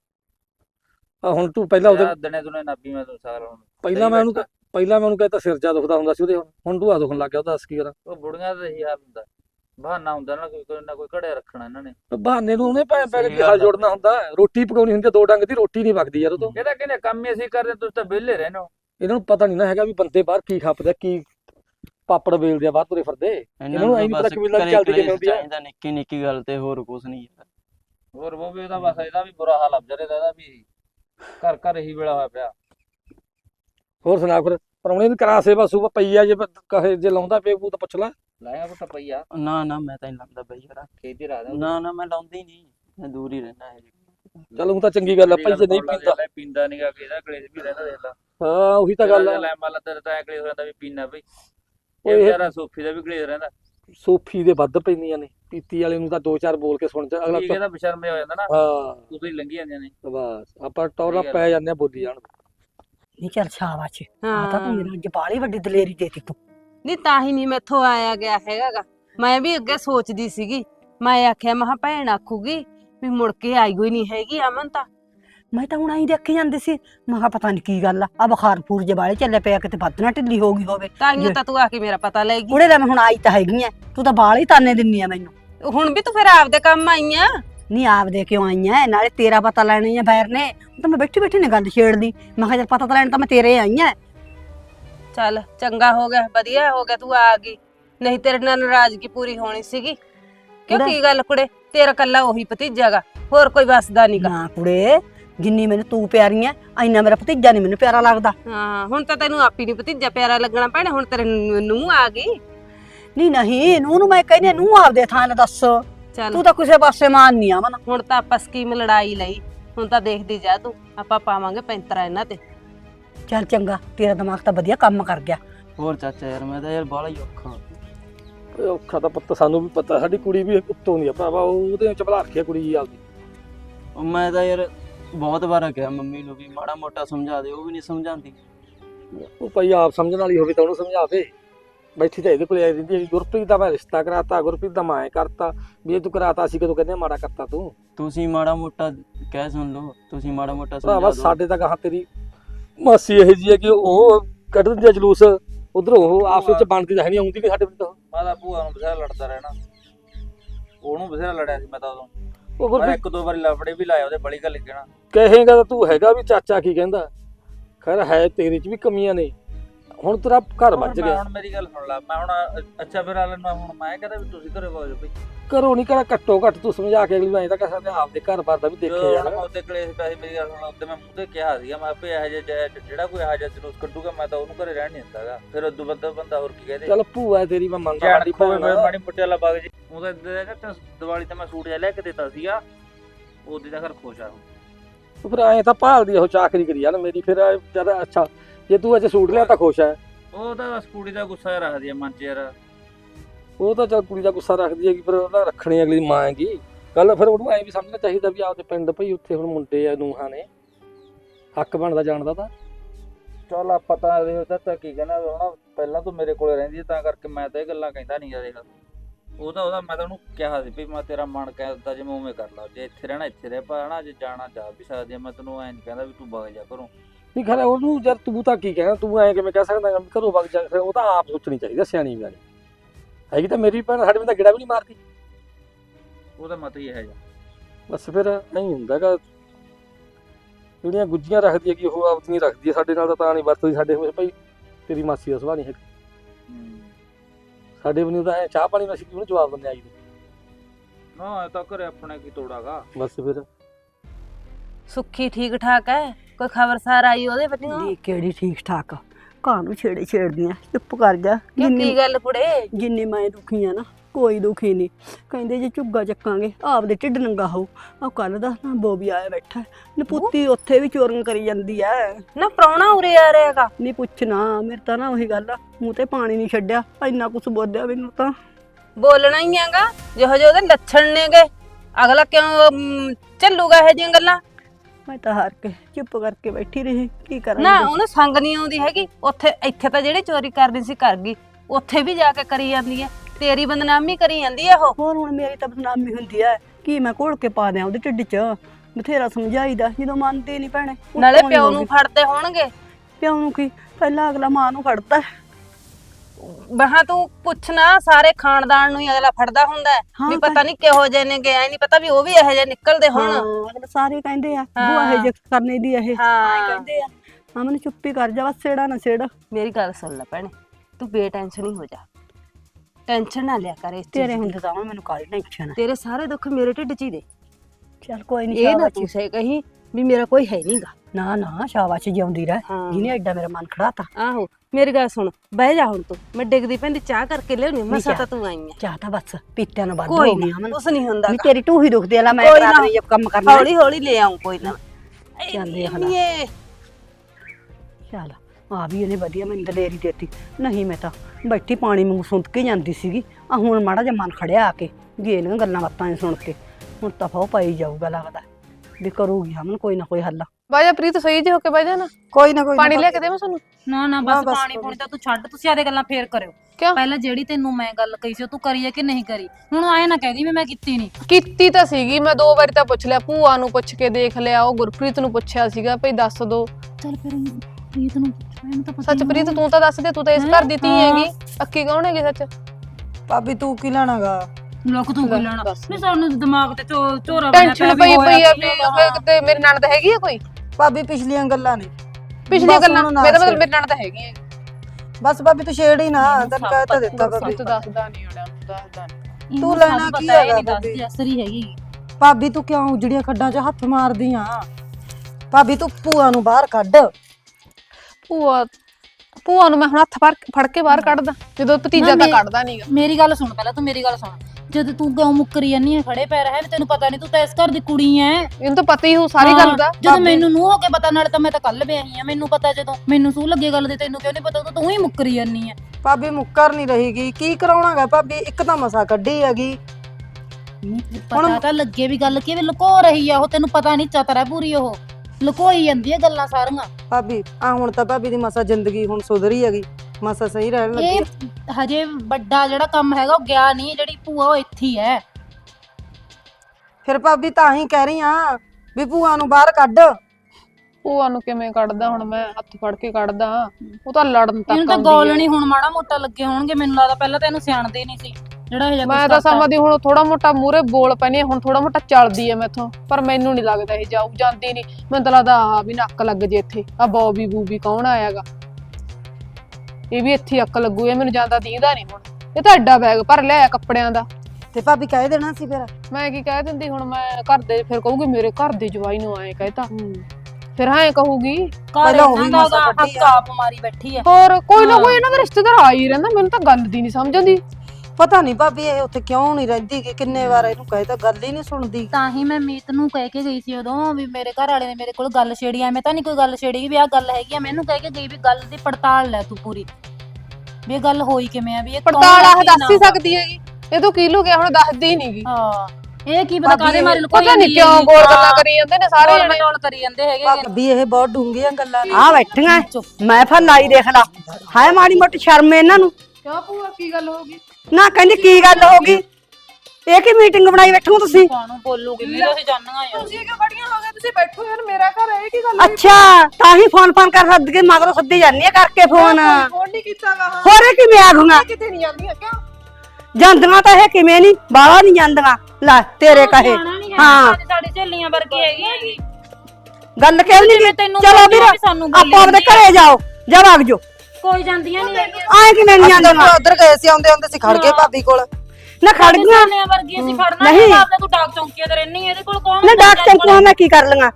A: ਆ ਹੁਣ ਤੂੰ ਪਹਿਲਾਂ ਉਹਦੇ
C: ਦਣੇ ਦੁਨੇ ਨਾਬੀ ਮੈਂ ਤੂੰ ਸਾਰਾ ਹੁਣ
A: ਪਹਿਲਾਂ ਮੈਂ ਉਹਨੂੰ ਪਹਿਲਾਂ ਮੈਂ ਉਹਨੂੰ ਕਹਿੰਦਾ ਸਿਰ ਜਾ ਦੁਖਦਾ ਹੁੰਦਾ ਸੀ ਉਹਦੇ, ਹੁਣ ਢੂਆ ਦੁਖਣ ਲੱਗ ਗਿਆ ਉਹਦਾ, ਦੱਸ ਕੀ ਕਰਾਂ।
C: ਉਹ ਬੁੜੀਆਂ ਦਾ ਇਹੀ ਹਾਲ ਹੁੰਦਾ, ਬਹਾਨਾ ਹੁੰਦਾ ਨਾ ਕੋਈ ਕੋਈ ਨਾ ਕੋਈ ਘੜਿਆ ਰੱਖਣਾ ਇਹਨਾਂ ਨੇ।
A: ਬਹਾਨੇ ਨੂੰ ਉਹਨੇ ਭੈਣ ਭੈਣ ਕੇ ਹਾਲ ਜੋੜਨਾ ਹੁੰਦਾ, ਰੋਟੀ ਪਕਾਉਣੀ ਹੁੰਦੀ ਆ, ਦੋ ਡੰਗ ਦੀ ਰੋਟੀ ਨਹੀਂ ਪੱਕਦੀ ਯਾਰ ਉਹ ਤੋਂ।
C: ਇਹਦਾ ਕਹਿੰਦੇ ਕੰਮ ਹੀ ਅਸੀਂ ਕਰਦੇ, ਤੁਸੀਂ ਤਾਂ ਵਿਹਲੇ ਰਹਿੰਦੇ ਹੋ।
A: ਇਹਨਾਂ ਨੂੰ ਪਤਾ ਨਹੀਂ ਨਾ ਹੈਗਾ ਵੀ ਬੰਦੇ ਬਾਹਰ ਕੀ ਖੱਪਦੇ, ਕੀ ਪਾਪੜ ਵੇਲਦੇ ਆ ਬਾਹਰ ਤੁਰੇ ਫਿਰਦੇ। ਇਹਨਾਂ ਨੂੰ ਐਂ ਨੀ ਪਤਾ ਕਬੀਲਾ ਚੱਲਦੀ ਕਿਵੇਂ ਹੁੰਦੀ ਆ।
B: ਚਾਹੀਦਾ ਨਿੱਕੀ ਨਿੱਕੀ ਗੱਲ ਤੇ, ਹੋਰ ਕੁਛ ਨਹੀਂ ਯਾਰ।
C: ਹੋਰ ਉਹ ਵੀ ਉਹਦਾ ਬਸ ਇਹਦਾ ਵੀ ਬੁਰਾ ਹਾਲ ਆ ਵਿਚਾਰੇ ਦਾ, ਇਹਦਾ ਵੀ ਘਰ ਘਰ ਇਹੀ ਵੇਲਾ ਹੋਇਆ ਪਿਆ।
A: ਹੋਰ ਸੁਣਾ ਫਿਰ, ਪਰੌਣੇ ਦੀ ਕਰਾ ਸੇਵਾ ਸੂਵਾ ਪਈ ਆ, ਜੇ ਕਹੇ ਜੇ ਲਾਉਂਦਾ ਪਏ ਤਾਂ ਪੁੱਛ ਲੈ।
C: ਲਾਇਆ ਪੁੱਤ ਪਈਆ
B: ਨਾ ਨਾ ਮੈਂ ਤਾਂ ਨਹੀਂ ਲਾਉਂਦਾ ਬਈ ਯਾਰ,
C: ਖੇਤੀ ਰਾਦਾ
B: ਨਾ ਨਾ ਮੈਂ ਲਾਉਂਦਾ ਹੀ ਨਹੀਂ, ਮੈਂ ਦੂਰ ਹੀ ਰਹਿਣਾ ਹੈ।
A: ਚੱਲ ਉਹ ਤਾਂ ਚੰਗੀ ਗੱਲ ਆ ਭਾਈ, ਜੇ ਨਹੀਂ ਪੀਂਦਾ
C: ਪੀਂਦਾ ਨਹੀਂਗਾ, ਕਿਹਦਾ ਕਲੇਸ਼ ਵੀ ਰਹਿੰਦਾ ਦੇਖ ਲਾ।
A: ਹਾਂ ਉਹੀ ਤਾਂ ਗੱਲ ਆ।
C: ਲੈ ਮੰਨ ਲਾ ਤੇਰਾ ਤਾਂ ਐ ਕਲੇਸ਼ ਰਹਿੰਦਾ ਵੀ ਪੀਣਾ ਬਈ,
A: ਉਹ
C: ਇਹ
A: ਇਹ
C: ਵਿਚਾਰਾ ਸੋਫੀ ਦਾ ਵੀ ਕਲੇਸ਼ ਰਹਿੰਦਾ।
A: ਸੋਫੀ ਦੇ ਵੱਧ ਪੈਂਦੀਆਂ ਨੇ, ਪੀਤੀ ਵਾਲੇ ਨੂੰ ਤਾਂ ਦੋ ਚਾਰ ਬੋਲ ਕੇ ਸੁਣ ਜਾ ਅਗਲਾ।
C: ਠੀਕ ਹੈ, ਤਾਂ ਬਸ਼ਰਮੇ ਹੋ ਜਾਂਦਾ ਨਾ,
A: ਹਾਂ
C: ਉਦੋਂ ਹੀ ਲੰਘੀ ਜਾਂਦੀਆਂ ਨੇ।
A: ਬਸ ਆਪਾਂ ਟੌਰਾ ਪੈ ਜਾਂਦੇ ਆ, ਬੋਲੀ ਜਾਣ।
D: ਨਹੀਂ ਚੱਲ ਸ਼ਾਬਾਸ਼, ਆ ਤਾਂ ਤੂੰ ਮੈਨੂੰ ਅੱਜ ਬਾਹਲੀ ਵੱਡੀ ਦਲੇਰੀ ਦੇਤੀ ਤੂੰ।
E: ਨਹੀਂ ਤਾਂ ਹੀ ਨਹੀਂ ਮੈਥੋਂ ਆਇਆ ਗਿਆ ਹੈਗਾ। ਮੈਂ ਵੀ ਅੱਗੇ ਸੋਚਦੀ ਸੀਗੀ, ਮੈਂ ਆਖਿਆ ਮਹਾ ਭੈਣ ਆਖੂਗੀ ਵੀ ਮੁੜ ਕੇ ਆਈ ਹੋਈ ਨਹੀਂ ਹੈਗੀ ਅਮਨ ਤਾਂ।
D: ਮੈਂ ਤਾਂ ਹੁਣ ਆਈ ਦੇਖੀ ਜਾਂਦੀ ਸੀ, ਮੈਂ ਕਿਹਾ ਪਤਾ ਨਹੀਂ ਕੀ ਗੱਲ ਆ, ਆ ਬੁਖਾਰ ਫੂਰ ਜੇ ਬਾਲੇ ਚੱਲੇ ਪਿਆ, ਕਿਤੇ ਵੱਧ ਨਾ ਢਿੱਲੀ ਹੋ ਗਈ ਹੋਵੇ।
E: ਤਾਈਓ ਤਾਂ ਤੂੰ ਆ ਕੇ ਮੇਰਾ ਪਤਾ ਲੈ ਗਈ।
D: ਕੁੜੇ ਦਾ ਮੈਂ ਹੁਣ ਆਈ ਤਾਂ ਹੈਗੀ ਐ, ਤੂੰ ਤਾਂ ਬਾਲ ਹੀ ਤਾਨੇ ਦਿੰਨੀ ਆ ਮੈਨੂੰ।
E: ਹੁਣ ਵੀ ਤੂੰ ਫਿਰ ਆਪਦੇ ਕੰਮ ਆਈ ਆ।
D: ਨਹੀਂ ਆਪ ਦੇ ਕਿਉਂ ਆਈ ਐ, ਨਾਲੇ ਤੇਰਾ ਪਤਾ ਲੈਣੀ ਆ ਬੈਰ ਨੇ, ਤਾਂ ਮੈਂ ਬੈਠੀ ਬੈਠੀ ਨੇ ਗੱਲ ਛੇੜਦੀ। ਮੈਂ ਕਿਹਾ ਜਦ ਪਤਾ ਤਾਂ ਲੈਣ ਤਾਂ ਮੈਂ ਤੇਰੇ ਆਈ ਐ।
E: ਚੱਲ ਚੰਗਾ ਹੋ ਗਿਆ, ਵਧੀਆ ਹੋ ਗਿਆ ਤੂੰ ਆ ਗਈ, ਨਹੀਂ ਤੇਰੇ ਨਾਲ ਨਾਰਾਜ਼ਗੀ ਪੂਰੀ ਹੋਣੀ ਸੀਗੀ। ਕਿਉਂ ਕੀ ਗੱਲ ਕੁੜੇ, ਤੇਰਾ ਕੱਲਾ ਉਹੀ ਭਤੀਜਾਗਾ, ਹੋਰ ਕੋਈ ਵਸਦਾ ਨਹੀਂਗਾ।
D: ਨਾ ਕੁੜੇ, ਜਿੰਨੀ ਮੈਨੂੰ ਤੂੰ ਪਿਆਰੀ ਐ, ਇੰਨਾ ਮੇਰਾ ਭਤੀਜਾ ਨਹੀਂ ਮੈਨੂੰ ਪਿਆਰਾ ਲੱਗਦਾ।
E: ਹਾਂ ਹੁਣ ਤਾਂ ਤੈਨੂੰ ਆਪੀ ਨੀ ਭਤੀਜਾ ਪਿਆਰਾ ਲੱਗਣਾ ਪੈਣਾ, ਹੁਣ ਤੇਰੇ ਨੂੰਹ ਆ ਗਈ।
D: ਨਹੀਂ ਨਹੀਂ, ਨੂੰ ਨੂੰ ਮੈਂ ਕਹਿੰਦੀ ਨੂੰ ਆਪਦੇ ਥਾਂ ਨਾ ਦੱਸ,
E: ਚੱਲ
D: ਤੂੰ ਤਾਂ ਕਿਸੇ ਪਾਸੇ ਮਾਨ ਨਹੀਂ ਆ ਮਨ।
E: ਹੁਣ ਤਾਂ ਆਪਾਂ ਸਕੀਮ ਲੜਾਈ ਲਈ, ਹੁਣ ਤਾਂ ਦੇਖਦੀ ਜਾ ਤੂੰ, ਆਪਾਂ ਪਾਵਾਂਗੇ ਪੈਂਤਰਾ ਇਹਨਾਂ ਤੇ।
D: ਚੱਲ ਚੰਗਾ, ਤੇਰਾ ਦਿਮਾਗ ਤਾਂ ਵਧੀਆ ਕੰਮ ਕਰ ਗਿਆ।
B: ਹੋਰ ਚਾਚਾ ਯਾਰ, ਮੈਂ ਤਾਂ ਯਾਰ ਬਾਹਲਾ ਹੀ ਔਖਾ।
A: ਔਖਾ ਤਾਂ ਪੁੱਤ ਸਾਨੂੰ ਵੀ ਪਤਾ, ਸਾਡੀ ਕੁੜੀ ਵੀ ਉੱਤੋਂ ਦੀ ਆ ਭਰਾਵਾ, ਉਹਦੇ ਚਬਲਾ ਰੱਖਿਆ ਕੁੜੀ ਜੀ ਆਪਦੀ।
B: ਉਹ ਮੈਂ ਤਾਂ ਯਾਰ ਬਹੁਤ ਵਾਰ ਕਿਹਾ ਮੰਮੀ ਨੂੰ ਵੀ ਮਾੜਾ ਮੋਟਾ ਸਮਝਾ ਦੇ, ਉਹ ਵੀ ਨਹੀਂ ਸਮਝਾਉਂਦੀ।
A: ਉਹ ਭਾਈ ਆਪ ਸਮਝਣ ਵਾਲੀ ਹੋਵੇ ਤਾਂ ਉਹਨੂੰ ਸਮਝਾਵੇ। ਬੈਠੀ ਤਾਂ ਇਹਦੇ ਕੋਲ ਆਈ ਰਹਿੰਦੀ ਹੈ, ਗੁਰਪ੍ਰੀਤ ਦਾ ਮੈਂ ਰਿਸ਼ਤਾ ਕਰਾਤਾ, ਗੁਰਪ੍ਰੀਤ ਦਾ ਮੈਂ ਕਰਤਾ, ਵੀ ਇਹ ਤੂੰ ਕਰਾਤਾ ਸੀ ਕਦੋਂ ਕਹਿੰਦੇ ਮਾੜਾ ਕਰਤਾ ਤੂੰ।
B: ਤੁਸੀਂ ਮਾੜਾ ਮੋਟਾ ਕਹਿ ਸੁਣ ਲਓ, ਤੁਸੀਂ ਮਾੜਾ ਮੋਟਾ
A: ਭਰਾਵਾ
B: ਸਮਝਾ
A: ਸਾਡੇ ਤਾਂ ਗਾਹਾਂ ਤੇਰੀ ਮਾਸੀ ਇਹੋ ਜਿਹੀ ਹੈ ਕਿ ਉਹ ਕੱਢ ਦਿੰਦੀ ਆ ਜਲੂਸ, ਉਧਰੋਂ ਉਹ ਆਪਸ ਵਿੱਚ ਬਣਦੀ ਤਾਂ ਹੈ ਨਹੀਂ, ਆਉਂਦੀ ਨਹੀਂ ਸਾਡੇ ਪਿੰਡ।
C: ਮੈਂ ਤਾਂ ਭੂਆ ਨੂੰ ਬਥੇਰਾ ਲੜਦਾ ਰਹਿਣਾ, ਉਹਨੂੰ ਬਥੇਰਾ ਲੜਿਆ ਸੀ ਮੈਂ ਤਾਂ ਉਦੋਂ।
A: ਉਹ
C: ਮੈਂ
A: ਗੁਰਪ੍ਰੀਤ
C: ਇੱਕ ਦੋ ਵਾਰੀ ਲਫੜੇ ਵੀ ਲਾਏ ਉਹਦੇ, ਬੜੀ ਗੱਲ ਲੱਗਣਾ।
A: ਕਹੇਗਾ ਤਾਂ ਤੂੰ ਹੈਗਾ ਵੀ ਚਾਚਾ ਕੀ ਕਹਿੰਦਾ, ਖੈਰ ਹੈ ਤੇਰੇ 'ਚ ਵੀ ਕਮੀਆਂ ਨੇ, ਹੁਣ ਤੇਰਾ ਘਰ ਵੱਜ ਗਿਆ।
C: ਹੁਣ ਮੇਰੀ ਗੱਲ ਸੁਣ ਲੈ, ਮੈਂ ਹੁਣ ਅੱਛਾ ਫਿਰ ਆਲਨ ਮੈਂ ਹੁਣ ਮੈਂ ਕਹਿੰਦਾ ਵੀ ਤੁਸੀਂ ਘਰੇ ਵਗ ਬਈ,
A: ਘਰੋਂ ਨਹੀਂ ਕਰਾ, ਘੱਟੋ ਘੱਟ ਤੂੰ ਸਮਝਾ ਕੇ ਅਗਲੀ ਵਾਰ ਤਾਂ ਕਹਿ ਸਕਦੇ ਆਪਦੇ ਘਰ ਬਾਰ ਦਾ ਵੀ ਦੇਖੇ ਯਾਰ।
C: ਉਹਦੇ ਕਲੇਸ਼ ਪੈਸੇ, ਮੇਰੀ ਗੱਲ ਸੁਣ, ਉੱਤੇ ਮੈਂ ਮੂੰਹ ਤੇ ਕਿਹਾ ਸੀਗਾ, ਮੈਂ ਆਪੇ ਇਹੋ ਜਿਹਾ ਜਿਹੜਾ ਕੋਈ ਇਹੋ ਜਿਹਾ ਜਲੂਸ ਕੱਢੂਗਾ ਮੈਂ ਤਾਂ ਉਹਨੂੰ ਘਰੇ ਰਹਿਣ ਨਹੀਂ ਦਿੰਦਾਗਾ। ਫਿਰ ਉਦੋਂ ਬੰਦਾ ਬੰਦਾ ਹੋਰ ਕੀ ਕਹਦੇ।
A: ਚੱਲ ਭੂਆ ਤੇਰੀ ਮੈਂ ਮੰਨਦਾ,
C: ਜਾਣ
A: ਸਾਡੀ
C: ਖੋਵੇ
A: ਭੈਣ
C: ਮਾੜੀ ਮੁੱਟੇ ਵਾਲਾ ਬਾਗ ਜੀ, ਉਹਦਾ ਦੀਵਾਲੀ ਤੇ ਮੈਂ ਸੂਟ ਜਿਹਾ ਲੈ ਕੇ ਦਿੱਤਾ ਸੀਗਾ, ਉਹਦੀ ਤਾਂ ਘਰ ਖੁਸ਼ ਆ।
A: ਫਿਰ ਐਂ ਤਾਂ ਭਾਲਦੀ ਉਹ ਚਾਕਰੀ ਕਰੀ ਆ ਨਾ ਮੇਰੀ, ਫਿਰ ਜਦ ਅੱਛਾ ਜੇ ਤੂੰ ਅੱਜ ਸੂਟ ਲਿਆ ਤਾਂ ਖੁਸ਼ ਹੈ।
C: ਉਹ ਤਾਂ ਬਸ ਕੁੜੀ ਦਾ ਗੁੱਸਾ ਰੱਖਦੀ ਆ ਮਨ ਚ ਯਾਰ।
A: ਉਹ ਤਾਂ ਚੱਲ ਕੁੜੀ ਦਾ ਗੁੱਸਾ ਰੱਖਦੀ ਹੈਗੀ, ਪਰ ਉਹਦਾ ਰੱਖਣੀ ਅਗਲੀ ਮਾਂ ਹੈਗੀ ਗੱਲ। ਫਿਰ ਉਹਨੂੰ ਐਂ ਵੀ ਸਮਝਣਾ ਚਾਹੀਦਾ ਵੀ ਆਪਦੇ ਪਿੰਡ ਭਈ ਉੱਥੇ ਹੁਣ ਮੁੰਡੇ ਆ ਨੂੰਹਾਂ ਨੇ, ਹੱਕ ਬਣਦਾ ਜਾਣਦਾ ਤਾਂ।
C: ਚੱਲ ਆਪਾਂ ਤਾਂ ਉਹਦਾ ਤਾਂ ਕੀ ਕਹਿਣਾ ਹੁਣ, ਪਹਿਲਾਂ ਤੂੰ ਮੇਰੇ ਕੋਲੇ ਰਹਿੰਦੀ ਤਾਂ ਕਰਕੇ ਮੈਂ ਤਾਂ ਇਹ ਗੱਲਾਂ ਕਹਿੰਦਾ ਨਹੀਂ ਆ। ਦੇਖ ਉਹ ਤਾਂ ਉਹਦਾ ਮੈਂ ਤਾਂ ਉਹਨੂੰ ਕਿਹਾ ਸੀ ਵੀ ਮੈਂ ਤੇਰਾ ਮਨ ਕਹਿੰਦਾ ਜਿਵੇਂ ਉਵੇਂ ਕਰ ਲਾ, ਜੇ ਇੱਥੇ ਰਹਿਣਾ ਇੱਥੇ ਰਹਿ ਪਾ ਨਾ, ਜੇ ਜਾਣਾ ਜਾ ਵੀ ਸਕਦੀ ਆ। ਮੈਂ ਤੈਨੂੰ ਐਂ ਨਹੀਂ ਕਹਿੰਦਾ ਵੀ ਤੂੰ ਵਗ ਜਾ ਘਰੋਂ।
A: ਨਹੀਂ ਖਰਾ ਉਹਨੂੰ ਯਾਰ ਤੂੰ ਤਾਂ ਕੀ ਕਹਿਣਾ, ਤੂੰ ਐਂ ਕਿਵੇਂ ਕਹਿ ਸਕਦਾ ਵੀ ਘਰੋਂ ਵਗ ਜਾ। ਫਿਰ ਉਹ ਤਾਂ ਆਪ ਸੋਚਣੀ ਚਾਹੀਦੀ ਸਿਆਣੀ ਗੱਲ ਹੈਗੀ, ਤਾਂ ਮੇਰੀ ਭੈਣ ਸਾਡੇ ਬੰਦਾ ਗਿੜਾ ਵੀ ਨਹੀਂ ਮਾਰਦੀ।
C: ਉਹਦਾ ਮਤ ਹੀ ਹੈ ਜਾ
A: ਬਸ ਫਿਰ ਨਹੀਂ ਹੁੰਦਾ ਗਾ, ਜਿਹੜੀਆਂ ਗੁੱਜੀਆਂ ਰੱਖਦੀ ਹੈ ਕਿ ਉਹ ਆਪਦੀਆਂ ਰੱਖਦੀ ਹੈ, ਸਾਡੇ ਨਾਲ ਤਾਂ ਨਹੀਂ ਵਰਤਦੀ। ਸਾਡੇ ਹੋਏ ਭਾਈ ਤੇਰੀ ਮਾਸੀ ਦਾ ਸੁਭਾਅ ਨਹੀਂ ਹੈਗਾ ਸਾਡੇ ਬਣੀ, ਤਾਂ ਐ ਚਾਹ ਪਾਣੀ ਅਸੀਂ ਕਿਉਂ ਜਵਾਬ ਦਿੰਦੇ ਆਈ
C: ਨਾ, ਇਹ ਤਾਂ ਘਰੇ ਆਪਣੇ ਕੀ ਤੋੜਾਗਾ।
A: ਬਸ ਫਿਰ
E: ਸੁੱਖੀ ਠੀਕ ਠਾਕ ਹੈ? ਕੋਈ ਖਬਰਸਾਰ ਆਈ ਉਹਦੇ ਬੱਚਿਆਂ
D: ਦੀ ਕਿਹੜੀ ਠੀਕ ਠਾਕ ਘਰ ਨੂੰ ਛੇੜੇ ਛੇੜਦੀਆਂ, ਚੁੱਪ ਕਰ ਜਾ।
E: ਕਿਉਂ ਕੀ ਗੱਲ ਕੁੜੇ?
D: ਜਿੰਨੀ ਮੈਂ ਦੁਖੀ ਆ ਨਾ ਕੋਈ ਦੁਖੀ ਨਹੀਂ। ਕਹਿੰਦੇ ਜੇ ਝੁੱਗਾ ਚੱਕਾਂਗੇ ਆਪਦੇ ਢਿੱਡ ਨੰਗਾ ਹੋਊ। ਆ ਕੱਲ ਦਾ ਨਾ ਬੋਬੀ ਆਇਆ ਬੈਠਾ, ਨਪੁੱਤੀ ਉੱਥੇ ਵੀ ਚੋਰੀਆਂ ਕਰੀ ਜਾਂਦੀ ਐ।
E: ਨਾ ਪ੍ਰਾਹੁਣਾ ਉਰੇ ਆ ਰਿਹਾਗਾ?
D: ਨਹੀਂ ਪੁੱਛਣਾ, ਮੇਰੇ ਤਾਂ ਨਾ ਉਹੀ ਗੱਲ ਆ, ਮੂੰਹ ਤੇ ਪਾਣੀ ਨਹੀਂ ਛੱਡਿਆ, ਇੰਨਾ ਕੁਛ ਬੋਲਿਆ ਮੈਨੂੰ ਤਾਂ।
E: ਬੋਲਣਾ ਹੀ ਹੈਗਾ ਜਿਹੋ ਜਿਹੇ ਉਹਦੇ ਲੱਛਣ ਨੇਗੇ, ਅਗਲਾ ਕਿਉਂ ਅਮ, ਝੱਲੂਗਾ ਇਹ ਜਿਹੀਆਂ ਗੱਲਾਂ?
D: ਮੈਂ ਤਾਂ ਹਾਰ ਕੇ ਚੁੱਪ ਕਰਕੇ ਬੈਠੀ ਰਹੀ, ਕੀ ਕਰਾਂ।
E: ਨਾ ਉਹਨੂੰ ਸੰਗ ਨਹੀਂ ਆਉਂਦੀ ਹੈਗੀ। ਉੱਥੇ ਇੱਥੇ ਤਾਂ ਜਿਹੜੀ ਚੋਰੀ ਕਰਨੀ ਸੀ ਕਰ ਗਈ, ਉੱਥੇ ਵੀ ਜਾ ਕੇ ਕਰੀ ਜਾਂਦੀ ਹੈ, ਤੇਰੀ ਬਦਨਾਮੀ ਕਰੀ ਜਾਂਦੀ ਹੈ ਉਹ।
D: ਹੋਰ ਹੁਣ ਮੇਰੀ ਤਾਂ ਬਦਨਾਮੀ ਹੁੰਦੀ ਐ, ਕੀ ਮੈਂ ਘੋਲ ਕੇ ਪਾ ਦਿਆਂ ਉਹਦੇ ਢਿੱਡ 'ਚ? ਬਥੇਰਾ ਸਮਝਾਈਦਾ, ਜਦੋਂ ਮੰਨਦੀ ਨਹੀਂ ਭੈਣੇ।
E: ਨਾਲੇ ਪਿਓ ਨੂੰ ਫੜਦੇ ਹੋਣਗੇ।
D: ਪਿਓ ਨੂੰ ਕੀ, ਪਹਿਲਾਂ ਅਗਲਾ ਮਾਂ ਨੂੰ ਫੜਦਾ।
E: ਬਹਾ ਤੂੰ ਪੁੱਛਣਾ, ਸਾਰੇ ਖਾਨਦਾਨ ਨੂੰ ਹੀ ਅਗਲਾ ਫੜਦਾ ਹੁੰਦਾ ਹੈ ਵੀ ਪਤਾ ਨਹੀਂ ਕਿਹੋ ਜਿਹੇ ਨੇ ਗਏ, ਨਹੀਂ ਪਤਾ ਵੀ ਉਹ ਵੀ ਇਹੋ ਜਿਹੇ ਨਿਕਲਦੇ ਹੋਣ।
D: ਅਗਲਾ ਸਾਰੇ ਕਹਿੰਦੇ ਆ ਬੁਆ ਇਹ ਜੇ ਕਰਨੇ ਦੀ ਇਹ
E: ਹਾਂ
D: ਕਹਿੰਦੇ ਆ। ਅਮਨ ਚੁੱਪੀ ਕਰ ਜਾ, ਬਸ ਛੇੜਾ ਨਾ ਛੇੜ।
E: ਮੇਰੀ ਗੱਲ ਸੁਣ ਲੈ ਭੈਣੇ, ਤੂੰ ਬੇਟੈਨਸ਼ਨ ਹੀ ਹੋ ਜਾ, ਟੈਨਸ਼ਨ ਨਾ ਲਿਆ ਕਰ ਇਸ ਚੀਜ਼
D: ਤੇਰੇ
E: ਦੀ।
D: ਹੁੰਦੇ ਤਾਂ ਮੈਨੂੰ ਕਾਹਦੀ ਟੈਨਸ਼ਨ।
E: ਤੇਰੇ ਸਾਰੇ ਦੁੱਖ ਮੇਰੇ ਢਿੱਡ 'ਚ ਹੀ ਦੇ।
D: ਚੱਲ ਕੋਈ ਨਹੀਂ,
E: ਇਹ ਨਾ ਤੂੰ ਸੇ ਕਹੀਂ ਵੀ ਮੇਰਾ ਕੋਈ ਹੈ ਨਹੀਂਗਾ।
D: ਨਾ ਨਾ ਸ਼ਾਬਾਸ਼ ਜਿਉਂਦੀ ਰਹਿ, ਜਿਹਨੇ ਐਡਾ ਮੇਰਾ ਮਨ ਖੜਾਤਾ।
E: ਆਹੋ ਮੇਰੀ ਗੱਲ ਸੁਣ, ਬਹਿ ਜਾ ਹੁਣ ਤੂੰ, ਮੈਂ ਡਿੱਗਦੀ ਪੈਂਦੀ ਚਾਹ ਕਰਕੇ ਲਿਆਉਣੀ, ਮਸਾ ਤਾਂ ਤੂੰ ਆਈ ਆ।
D: ਚਾਹ ਤਾਂ ਬਸ ਪੀਤਿਆਂ ਨੂੰ ਵੱਧ
E: ਕੋਈ
D: ਹੋ ਗਿਆ।
E: ਨਾ, ਕੁਛ ਨਹੀਂ ਹੁੰਦਾ।
D: ਨਹੀਂ ਤੇਰੀ ਢੂਹੀ ਦੁਖਦੀ ਆ, ਲੈ ਮੈਂ
E: ਕੋਈ
D: ਕਰਾ
E: ਨਾ,
D: ਦੇਣੀ ਇਹ ਕੰਮ ਕਰਨਾ।
E: ਹੌਲੀ ਹੌਲੀ ਲੈ ਆਉਂ, ਕੋਈ ਨਾ।
D: ਚੱਲ ਦੇਖ ਲੈ।
E: ਇਹ
D: ਚੱਲ ਆ ਵੀ ਇਹਨੇ ਵਧੀਆ ਮੈਨੂੰ ਦਲੇਰੀ ਦੇਤੀ, ਨਹੀਂ ਮੈਂ ਤਾਂ ਬੈਠੀ ਪਾਣੀ ਵਾਂਗੂ ਸੁੰਤ ਕੇ ਜਾਂਦੀ ਸੀਗੀ। ਆ ਹੁਣ ਮਾੜਾ ਜਿਹਾ ਮਨ ਖੜਿਆ ਆ ਕੇ ਵੀ ਇਹਨਾਂ ਗੱਲਾਂ ਬਾਤਾਂ ਨੂੰ ਸੁਣ ਕੇ, ਹੁਣ ਤਾਂ ਫਾਉ ਪਾਈ ਜਾਊਗਾ ਲੱਗਦਾ ਵੀ ਕਰੂਗੀ ਹਮਨ ਕੋਈ ਨਾ ਕੋਈ ਹੱਲ।
F: ਬਾਜਾ ਪ੍ਰੀਤ ਸਹੀ ਜਿਹੇ ਹੋ ਕੇ ਬਹਿ ਜਾ ਨਾ,
D: ਕੋਈ ਨਾ ਕੋਈ
F: ਪਾਣੀ ਲੈ ਕੇ ਦੇਵਾਂ ਤੁਹਾਨੂੰ?
G: ਨਾ ਨਾ ਬਸ ਪਾਣੀ ਪੂਣੀ ਤਾਂ ਤੂੰ ਛੱਡ, ਤੁਸੀਂ ਆਦੇ ਗੱਲਾਂ ਫੇਰ ਕਰਿਓ।
F: ਕਿਉਂ?
G: ਪਹਿਲਾਂ ਜਿਹੜੀ ਤੈਨੂੰ ਮੈਂ ਗੱਲ ਕਹੀ ਸੀ ਉਹ ਤੂੰ ਕਰੀ ਹੈ ਕਿ ਨਹੀਂ ਕਰੀ, ਹੁਣ ਆਏ ਨਾ ਕਹਿ ਦੀ ਵੀ ਮੈਂ ਕੀਤੀ ਨਹੀਂ।
F: ਕੀਤੀ ਤਾਂ ਸੀਗੀ, ਮੈਂ ਦੋ ਵਾਰੀ ਤਾਂ ਪੁੱਛ ਲਿਆ, ਭੂਆ ਨੂੰ ਪੁੱਛ ਕੇ ਦੇਖ ਲਿਆ, ਉਹ ਗੁਰਪ੍ਰੀਤ ਨੂੰ ਪੁੱਛਿਆ ਸੀਗਾ ਭਈ ਦੱਸ ਦੋ।
G: ਚੱਲ ਫਿਰ ਪ੍ਰੀਤ ਨੂੰ ਮੈਨੂੰ ਤਾਂ ਪਤਾ
F: ਸੱਚ ਪ੍ਰੀਤ ਤੂੰ ਤਾਂ ਦੱਸ ਦੇ, ਤੂੰ ਤਾਂ ਇਸ ਘਰ ਦੀ ਧੀ ਹੈਗੀ, ਅੱਕੀ ਕੌਣ ਹੈਗੀ ਸੱਚ?
D: ਭਾਬੀ ਤੂੰ ਕੀ ਲੈਣਾਗਾ?
G: ਲੋਕ ਤੂੰ ਬੋਲਣਾ ਨਹੀਂ, ਸਾਨੂੰ ਦਿਮਾਗ ਤੇ ਝੋਰਾ
F: ਟੈਨਸ਼ਨ ਪਈ ਪਈ ਆ ਵੀ ਕਿਤੇ ਮੇਰੇ ਨਣਦ ਹੈਗੀ ਆ ਕੋਈ?
D: ਭਾਬੀ ਪਿਛਲੀਆਂ ਗੱਲਾਂ ਨੇ,
F: ਪਿਛਲੀਆਂ ਗੱਲਾਂ ਮੇਰਾ ਮਤਲਬ ਮੇਰੇ ਨਣਦ ਹੈਗੀ ਆ।
D: ਬਸ ਭਾਬੀ ਤੂੰ ਛੇੜ ਹੀ ਨਾ, ਤੈਨੂੰ ਕਹਿ ਤਾਂ ਦਿੱਤਾ ਭਾਬੀ।
F: ਤੂੰ ਦੱਸਦਾ ਨਹੀਂ ਉਹਦਾ, ਤੂੰ ਦੱਸਦਾ ਨਹੀਂ।
D: ਤੂੰ ਲੈਣਾ ਕੀ ਹੈਗਾ
G: ਦੱਸਦੀ ਅਸਰੀ ਹੈਗੀ।
D: ਭਾਬੀ ਤੂੰ ਕਿਉਂ ਉਜੜੀਆਂ ਖੱਡਾਂ 'ਚ ਹੱਥ ਮਾਰਦੀ ਆ? ਭਾਬੀ ਤੂੰ ਭੂਆ ਨੂੰ ਬਾਹਰ ਕੱਢ।
F: ਭੂਆ ਭੂਆ ਨੂੰ ਮੈਂ ਹੁਣ ਹੱਥ ਫੜ ਕੇ ਬਾਹਰ ਕੱਢਦਾ, ਜਦੋਂ ਭਤੀਜਾ ਤਾਂ ਕੱਢਦਾ ਨਹੀਂਗਾ।
G: ਮੇਰੀ ਗੱਲ ਸੁਣ, ਪਹਿਲਾਂ ਤੂੰ ਮੇਰੀ ਗੱਲ ਸੁਣ। ਜਦ ਤੂੰ ਕਿਉਂ ਮੁੱਕਰੀ ਜਾਨੀ ਹੈ ਖੜੇ ਪੈਰ ਹੈ, ਤੈਨੂੰ ਪਤਾ ਨਹੀਂ ਤੂੰ ਤਾਂ ਇਸ ਘਰ ਦੀ ਕੁੜੀ ਐ।
F: ਇਹਨੂੰ ਤਾਂ ਪਤਾ ਹੀ ਹੋ ਸਾਰੀ ਗੱਲ ਦਾ।
G: ਜਦੋਂ ਮੈਨੂੰ ਨੂੰ ਹੋ ਕੇ ਪਤਾ, ਨਾਲ ਤਾਂ ਮੈਂ ਤਾਂ ਕੱਲ ਵਿਆਹੀ ਆ, ਮੈਨੂੰ ਪਤਾ ਜਦੋਂ ਮੈਨੂੰ ਸੂ ਲੱਗੇ ਗੱਲ ਦੇ, ਤੈਨੂੰ ਕਿਉਂ ਨਹੀਂ ਪਤਾ? ਤੂੰ ਹੀ ਮੁੱਕਰੀ ਜਾਨੀ ਐ।
D: ਭਾਬੀ ਮੁੱਕਰ ਨਹੀਂ ਰਹੀਗੀ, ਕੀ ਕਰਾਉਣਾਗਾ ਭਾਬੀ? ਇੱਕ ਤਾਂ ਮਸਾ ਕੱਢੀ ਹੈਗੀ।
G: ਪਤਾ ਤਾਂ ਲੱਗੇ ਵੀ ਗੱਲ ਕਿਵੇਂ ਲੁਕੋ ਰਹੀ ਆ ਉਹ, ਤੈਨੂੰ ਪਤਾ ਨਹੀਂ ਚਤਰ ਹੈ ਪੂਰੀ, ਉਹ ਲੁਕੋਈ ਜਾਂਦੀ ਹੈ ਗੱਲਾਂ ਸਾਰੀਆਂ।
D: ਭਾਬੀ ਆ ਹੁਣ ਤਾਂ ਭਾਬੀ ਦੀ ਮਸਾ ਜ਼ਿੰਦਗੀ ਹੁਣ ਸੁਧਰੀ ਹੈਗੀ, ਮਸਾ ਸਹੀ ਰਹਿਣ ਲੱਗੀ।
G: ਇਹ ਹਜੇ ਵੱਡਾ ਜਿਹੜਾ ਕੰਮ ਹੈਗਾ ਉਹ ਗਿਆ ਨਹੀਂ, ਜਿਹੜੀ ਭੂਆ ਉਹ ਇੱਥੇ ਹੀ ਹੈ।
D: ਫਿਰ ਭਾਬੀ ਤਾਂ ਹੀ ਕਹਿ ਰਹੀ ਆ ਵੀ ਭੂਆ ਨੂੰ ਬਾਹਰ ਕੱਢ।
F: ਭੂਆ ਨੂੰ ਕਿਵੇਂ ਕੱਢਦਾ ਹੁਣ ਮੈਂ? ਹੱਥ ਫੜ ਕੇ ਕੱਢਦਾ? ਉਹ ਤਾਂ ਲੜਨ ਤੱਕ
G: ਇਹਨੂੰ ਤਾਂ
F: ਆਉਂਦੀ
G: ਗੋਲ
F: ਹੈ।
G: ਨਹੀਂ ਹੁਣ ਮਾੜਾ ਮੋਟਾ ਲੱਗੇ ਹੋਣਗੇ, ਮੈਨੂੰ ਲੱਗਦਾ ਪਹਿਲਾਂ ਤਾਂ ਇਹਨੂੰ ਸਿਆਣਦੇ ਨਹੀਂ ਸੀ ਜਿਹੜਾ ਇਹ
F: ਮੈਂ ਤਾਂ ਸਮਝਦੀ ਹੁਣ ਥੋੜਾ ਮੋਟਾ ਮੂਰੇ ਬੋਲ ਪੈਣੀ, ਹੁਣ ਥੋੜਾ ਮੋਟਾ ਚੱਲਦੀ ਹੈ ਮੈਥੋਂ, ਪਰ ਮੈਨੂੰ ਨਹੀਂ ਲੱਗਦਾ ਇਹ ਜਾਊ, ਜਾਂਦੀ ਨਹੀਂ। ਮੈਨੂੰ ਤਾਂ ਲੱਗਦਾ ਆ ਵੀ ਨੱਕ ਲੱਗ ਜੇ ਇੱਥੇ। ਆ ਬੋਬੀ ਬੂਬੀ ਕੌਣ ਆਇਆਗਾ? ਇਹ ਵੀ ਇੱਥੇ ਅੱਕ ਲੱਗੂ, ਇਹ ਮੈਨੂੰ ਜਾਂਦਾ ਦੀਂਦਾ ਨਹੀਂ ਹੁਣ। ਇਹ ਤਾਂ ਐਡਾ ਬੈਗ ਭਰ ਲਿਆ ਕੱਪੜਿਆਂ ਦਾ।
D: ਤੇ ਭਾਬੀ ਕਹਿ ਦੇਣਾ ਸੀ ਫਿਰ।
F: ਮੈਂ ਕੀ ਕਹਿ ਦਿੰਦੀ ਹੁਣ? ਮੈਂ ਘਰ ਦੇ ਫਿਰ ਕਹੂਗੀ ਮੇਰੇ ਘਰ ਦੇ ਜਵਾਈ ਨੂੰ ਆਏ ਕਹਿਤਾ, ਫਿਰ ਐਂ ਕਹੂਗੀ
G: ਪਹਿਲਾਂ ਇਹਨਾਂ ਦਾ ਹੱਕ ਆਪ ਮਾਰੀ ਬੈਠੀ ਆ।
F: ਹੋਰ ਕੋਈ ਨਾ ਕੋਈ ਇਹਨਾਂ ਦਾ ਰਿਸ਼ਤੇਦਾਰ ਆ ਹੀ ਰਹਿੰਦਾ, ਮੈਨੂੰ ਤਾਂ ਗੱਲ ਦੀ ਨਹੀਂ ਸਮਝ ਆਉਂਦੀ।
H: ਪਤਾ ਨਹੀਂ ਭਾਬੀ ਇਹ ਉੱਥੇ ਕਿਉਂ ਨਹੀਂ ਰਹਿੰਦੀ ਕਿ ਕਿੰਨੇ ਵਾਰ ਇਹਨੂੰ ਕਹੇ ਤਾਂ ਗੱਲ ਹੀ ਨਹੀਂ ਸੁਣਦੀ।
G: ਤਾਂ ਹੀ ਮੈਂ ਮੀਤ ਨੂੰ ਕਹਿ ਕੇ ਗਈ ਸੀ ਉਦੋਂ ਵੀ ਮੇਰੇ ਘਰ ਵਾਲੇ ਨੇ ਮੇਰੇ ਕੋਲ ਗੱਲ ਛੇੜੀ, ਐਵੇਂ ਤਾਂ ਨਹੀਂ ਕੋਈ ਗੱਲ ਛੇੜੀ ਵੀ ਆਹ ਗੱਲ ਹੈਗੀ ਆ। ਮੈਨੂੰ ਕਹਿ ਕੇ ਗਈ ਵੀ ਗੱਲ ਦੀ ਪੜਤਾਲ ਲੈ ਤੂੰ ਪੂਰੀ, ਵੀ ਇਹ ਗੱਲ ਹੋਈ ਕਿਵੇਂ ਆ, ਵੀ ਇਹ ਕੌਣ
F: ਪੜਤਾਲ
G: ਆ,
F: ਆਹ
G: ਕੀ
F: ਦੱਸ ਹੀ
G: ਨਾ।
F: ਸਕਦੀ ਹੈਗੀ, ਇਹ ਤੋਂ ਕੀ ਲੁਕਿਆ ਹੁਣ ਦੱਸਦੀ ਹੀ ਨਹੀਂਗੀ।
G: ਹਾਂ ਇਹ ਕੀ ਪਤਾ ਕਾਹਦੇ ਮਾਰੇ ਲੁਕੋਈ
F: ਪਤਾ ਨਹੀਂ ਕਿਉਂ ਗੋਲ ਗੱਲਾਂ ਕਰੀ ਜਾਂਦੇ ਨੇ ਸਾਰੇ ਜਣੇ।
G: ਟੋਲ ਕਰੀ ਜਾਂਦੇ ਹੈਗੇ।
H: ਭਾਬੀ ਇਹ ਬਹੁਤ ਡੂੰਘੀਆਂ ਗੱਲਾਂ ਨੇ।
D: ਆ ਬੈਠੀਆਂ ਮੈਂ ਫਿਰ ਲਾਈ ਦੇਖ ਲਾ, ਹਾਏ ਮਾੜੀ ਮੋਟੀ ਸ਼ਰਮ ਇਹਨਾਂ ਨੂੰ।
F: ਕਿਉਂ ਭੂਆ ਕੀ ਗੱਲ ਹੋ ਗਈ?
D: ਨਾ ਕਹਿੰਦੀ ਕੀ ਗੱਲ ਹੋ ਗਈ, ਇਹ ਕੀ ਮੀਟਿੰਗ ਬਣਾਈ ਬੈਠੋ ਤੁਸੀਂ?
G: ਕਾਹਨੂੰ ਬੋਲੂਗੀ ਮੇਰੇ ਅਸੀਂ ਜਾਣਾਂਗਾ ਯਾਰ।
F: ਤੁਸੀਂ ਕਿਉਂ ਬੜੀਆਂ ਹੋ ਗਏ? ਤੁਸੀਂ ਬੈਠੋ ਯਾਰ, ਮੇਰਾ ਘਰ ਹੈ, ਇਹ ਕੀ ਗੱਲ ਹੋਈ?
D: ਅੱਛਾ ਤਾਂ ਹੀ ਫੋਨ ਫੋਨ ਕਰ ਸੱਦ ਕੇ ਮਗਰੋਂ ਸੱਦੀ ਜਾਂਦੀ ਆ ਕਰਕੇ ਫੋਨ।
F: ਫੋਨ ਨਹੀਂ ਕੀਤਾਗਾ। ਹਾਂ
D: ਹੋਰ ਇਹ ਕਿਵੇਂ ਆ ਗਈਆਂ?
F: ਕਿਤੇ ਨਹੀਂ ਜਾਂਦੀਆਂ ਕਿਉਂ?
D: ਜਾਂਦੀਆਂ ਤਾਂ ਇਹ ਕਿਵੇਂ ਨਹੀਂ, ਬਾਹਲਾ ਨਹੀਂ ਜਾਂਦੀਆਂ। ਲੈ ਤੇਰੇ ਕਹੇ ਹਾਂ
G: ਸਾਡੀ ਝੱਲੀਆਂ ਵਰਗੀ ਹੈਗੀ ਹੈਗੀ।
D: ਗੱਲ ਕਿਉਂ ਨਹੀਂ
G: ਜਿਵੇਂ ਤੈਨੂੰ
D: ਚਲੋ ਵੀਰ
G: ਵੀ ਸਾਨੂੰ ਬੋਲੀ
D: ਆਪੋ ਆਪਦੇ ਘਰੇ ਜਾਓ, ਜਾ ਵਗ ਜਾਓ।
G: ਕੋਈ ਜਾਂਦੀਆਂ ਨਹੀਂ ਹੈਗੀਆਂ।
D: ਆਏ ਕਿਵੇਂ ਨਹੀਂ
H: ਅਸੀਂ ਤਾਂ
D: ਜਾਂਦੀਆਂ?
H: ਉਧਰ ਗਏ ਸੀ, ਆਉਂਦੇ ਆਉਂਦੇ ਸੀ ਖੜ ਗਏ ਭਾਬੀ ਕੋਲ।
D: ਨਾ ਖੜ ਗਈਆਂ
G: ਝੱਲੀਆਂ ਵਰਗੀ ਅਸੀਂ ਖੜਨਾ
D: ਨਹੀਂ।
G: ਨਹੀਂ ਆਪਦਾ ਤੂੰ ਡਾਕ ਚੌਂਕੀਆਂ ਤੇ ਰਹਿਣੀ ਇਹਦੇ ਕੋਲ ਕੌਣ
D: ਨਾ ਡਾਕ ਚੌਂਕੂਆਂ ਮੈਂ ਕੀ ਕਰ ਲਵਾਂ?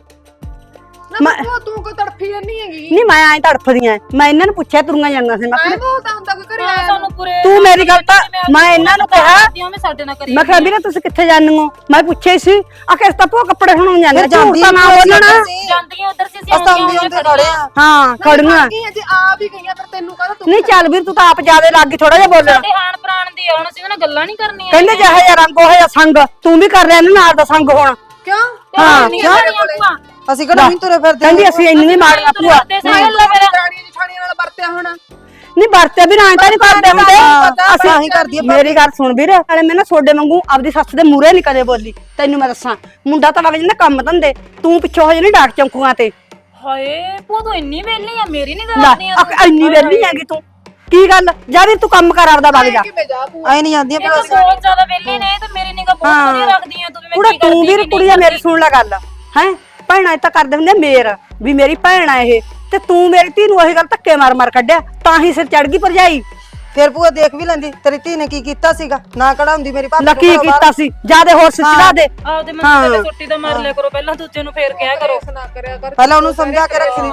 F: ਨਾ ਭੂਆ ਤੂੰ ਕੋਈ ਤੜਫੀ ਨਹੀਂ ਹੈਗੀ।
D: ਨਹੀਂ ਮੈਂ ਐਂ ਤੜਫਦੀਆਂ, ਮੈਂ ਇਹਨਾਂ ਨੂੰ ਪੁੱਛਿਆ ਤੁਰੀਆਂ ਜਾਂਦੀਆਂ ਸੀ। ਮੈਂ
F: ਐ
D: ਕਿਹਾ
F: ਬੋਲਦਾ ਹੁੰਦਾ ਕੋਈ ਘਰੇ
G: ਹਾਂ,
F: ਆਇਆ
G: ਸਾਨੂੰ ਪੂਰੇ
D: ਤੂੰ ਮੇਰੀ ਗੱਲ ਤਾਂ ਮੈਂ ਇਹਨਾਂ ਨੂੰ ਕਿਹਾ,
G: ਮੈਂ ਸਾਡੇ ਨਾਲ ਕਰੀ
D: ਮੈਂ ਕਿਹਾ ਵੀਰੇ ਤੁਸੀਂ ਕਿੱਥੇ ਜਾਂਦੇ ਹੋ? ਮੈਂ ਪੁੱਛਿਆ ਹੀ ਸੀ ਆ ਕਿਸ ਤਾਂ ਭੋ ਕੱਪੜੇ ਹੁਣ ਜਾਂਦੇ
H: ਫਿਰ
D: ਝੂਠ
H: ਜਾਂਦੀ
D: ਤਾਂ ਨਾ ਬੋਲਣਾ।
G: ਜਾਂਦੀਆਂ ਉਧਰ ਸੀ
H: ਅਸਾਂ ਆਉਂਦੇ ਆਉਂਦੇ ਖੜੇ ਆ।
D: ਹਾਂ ਖੜੀਆਂ
F: ਗਈਆਂ ਜੇ ਆ ਵੀ ਗਈਆਂ ਫਿਰ ਤੈਨੂੰ ਕਹਦਾ ਤੂੰ
D: ਨਹੀਂ ਚੱਲ ਵੀਰ ਤੂੰ ਤਾਂ ਆਪ ਜਿਆਦੇ ਲੱਗ ਗਈ ਥੋੜਾ ਜਿਹਾ ਬੋਲਣਾ।
G: ਸਾਡੇ ਹਾਣ ਪ੍ਰਾਣ ਦੀ ਆ, ਹੁਣ ਅਸੀਂ ਉਹਨਾਂ ਨਾਲ ਗੱਲਾਂ ਨਹੀਂ ਕਰਨੀਆਂ।
D: ਕਹਿੰਦੇ ਜਿਹੇ ਜਿਹਾ ਰੰਗ ਉਹ ਜਿਹਾ ਸੰਗ ਤੂੰ ਵੀ ਕਰ ਰਿਹਾ ਇਹਨੂੰ ਨਾਲ ਦਾ ਸੰਗ ਹੁਣ।
F: ਕਿਉਂ?
D: ਹਾਂ
G: ਕਿਉਂ?
H: ਅਸੀਂ ਕਿਹੜਾ ਨਹੀਂ ਤੁਰੇ ਫਿਰਦੇ।
D: ਕਹਿੰਦੀ ਅਸੀਂ ਇੰਨੀ ਮਾੜੀਆਂ ਭੂਆ
F: ਸਾਇਲ ਮੇਰਾ ਰਾਣੀ ਜਠਾਣੀ ਨਾਲ ਵਰਤਿਆ ਹੋਣਾ।
D: ਨਹੀਂ ਵਰਤੇ ਵੀ ਰਾਂ ਤਾਂ ਨਹੀਂ ਕਰਦੇ ਹੁੰਦੇ
H: ਅਸੀਂ ਆਹੀ ਕਰਦੀ ਆ।
D: ਮੇਰੀ ਗੱਲ ਸੁਣ ਵੀਰ, ਨਾਲੇ ਮੈਂ ਨਾ ਸੋਡੇ ਵਾਂਗੂ ਆਪਦੀ ਸੱਸ ਦੇ ਮੂਹਰੇ ਨਹੀਂ ਕਦੇ ਬੋਲੀ। ਤੈਨੂੰ ਮੈਂ ਦੱਸਾਂ ਮੁੰਡਾ ਤਾਂ ਵਗ ਜਾਂਦਾ ਕੰਮ ਧੰਦੇ, ਤੂੰ ਪਿੱਛੋਂ ਹੋ ਜਾਨੀ ਡਾਕ ਚੌਂਕੂਆਂ ਤੇ।
G: ਹਾਏ ਭੂਆ ਤੂੰ ਇੰਨੀ ਵੇਲੀ ਆ, ਮੇਰੀ ਨਹੀਂ
D: ਲੈ
G: ਕਰਦੀਆਂ
D: ਅਕ- ਇੰਨੀ ਵੇਲੀ ਹੈਗੀ ਤੂੰ, ਕੀ ਗੱਲ ਜਾ ਵੀਰ ਤੂੰ ਕੰਮ ਕਰ ਆਪਦਾ ਵਗ ਜਾ।
F: ਕਿਵੇਂ ਜਾ ਭੂਆ?
H: ਆਏ ਨਹੀਂ ਜਾਂਦੀਆਂ
G: ਇਹ ਤਾਂ ਬਹੁਤ ਜ਼ਿਆਦਾ ਵੇਲੀ ਨੇ ਤੇ ਮੇਰੀ ਨਿਗਾਹ ਬਹੁਤ ਵਧੀਆ ਰੱਖਦੀਆਂ ਤੂੰ ਵੀ ਮੈਂ
D: ਕੁੜਾ
G: ਕੀ
D: ਤੂੰ
G: ਕਰਦੀ
D: ਵੀਰ
G: ਕੀ
D: ਕੁੜੀਆਂ
G: ਨਹੀਂ
D: ਮੇਰੀ ਸੁਣ ਲੈ ਗੱਲ ਹੈ, ਭੈਣਾਂ ਇਹ ਤਾਂ ਕਰਦੇ ਹੁੰਦੇ ਮੇਰ ਵੀ ਮੇਰੀ ਭੈਣ ਆ ਇਹ, ਤੇ ਤੂੰ ਮੇਰੀ ਧੀ ਨੂੰ ਉਹੀ ਗੱਲ ਧੱਕੇ ਮਾਰ ਮਾਰ ਕੱਢਿਆ ਤਾਂ ਹੀ ਸਿਰ ਚੜ ਗਈ ਭਰਜਾਈ।
H: ਫਿਰ ਭੂਆ ਦੇਖ ਵੀ ਲੈਂਦੀ ਤੇਰੀ ਧੀ ਨੇ ਕੀ ਕੀਤਾ ਸੀਗਾ, ਨਾ ਕਢਾਉਂਦੀ ਮੇਰੀ ਭਾਬੀ
D: ਲੱਕੀ
H: ਨੂੰ ਘਰੋਂ
D: ਕੀਤਾ ਸੀ ਜਿਆਦੇ ਹੋਰ ਸਿੱਧਾ ਦੇ।
G: ਆਪਦੇ ਮੰਜੇ ਤੇ ਸੁੱਟੀ ਦਾ ਮਾਰ ਲਿਆ ਕਰੋ ਪਹਿਲਾਂ, ਦੂਜੇ ਨੂੰ ਫੇਰ ਕਿਹਾ ਕਰੋ।
F: ਨਾ ਕਰਿਆ ਕਰ।
H: ਪਹਿਲਾਂ ਉਹਨੂੰ ਸਮਝਾ ਕੇ ਰੱਖੀ।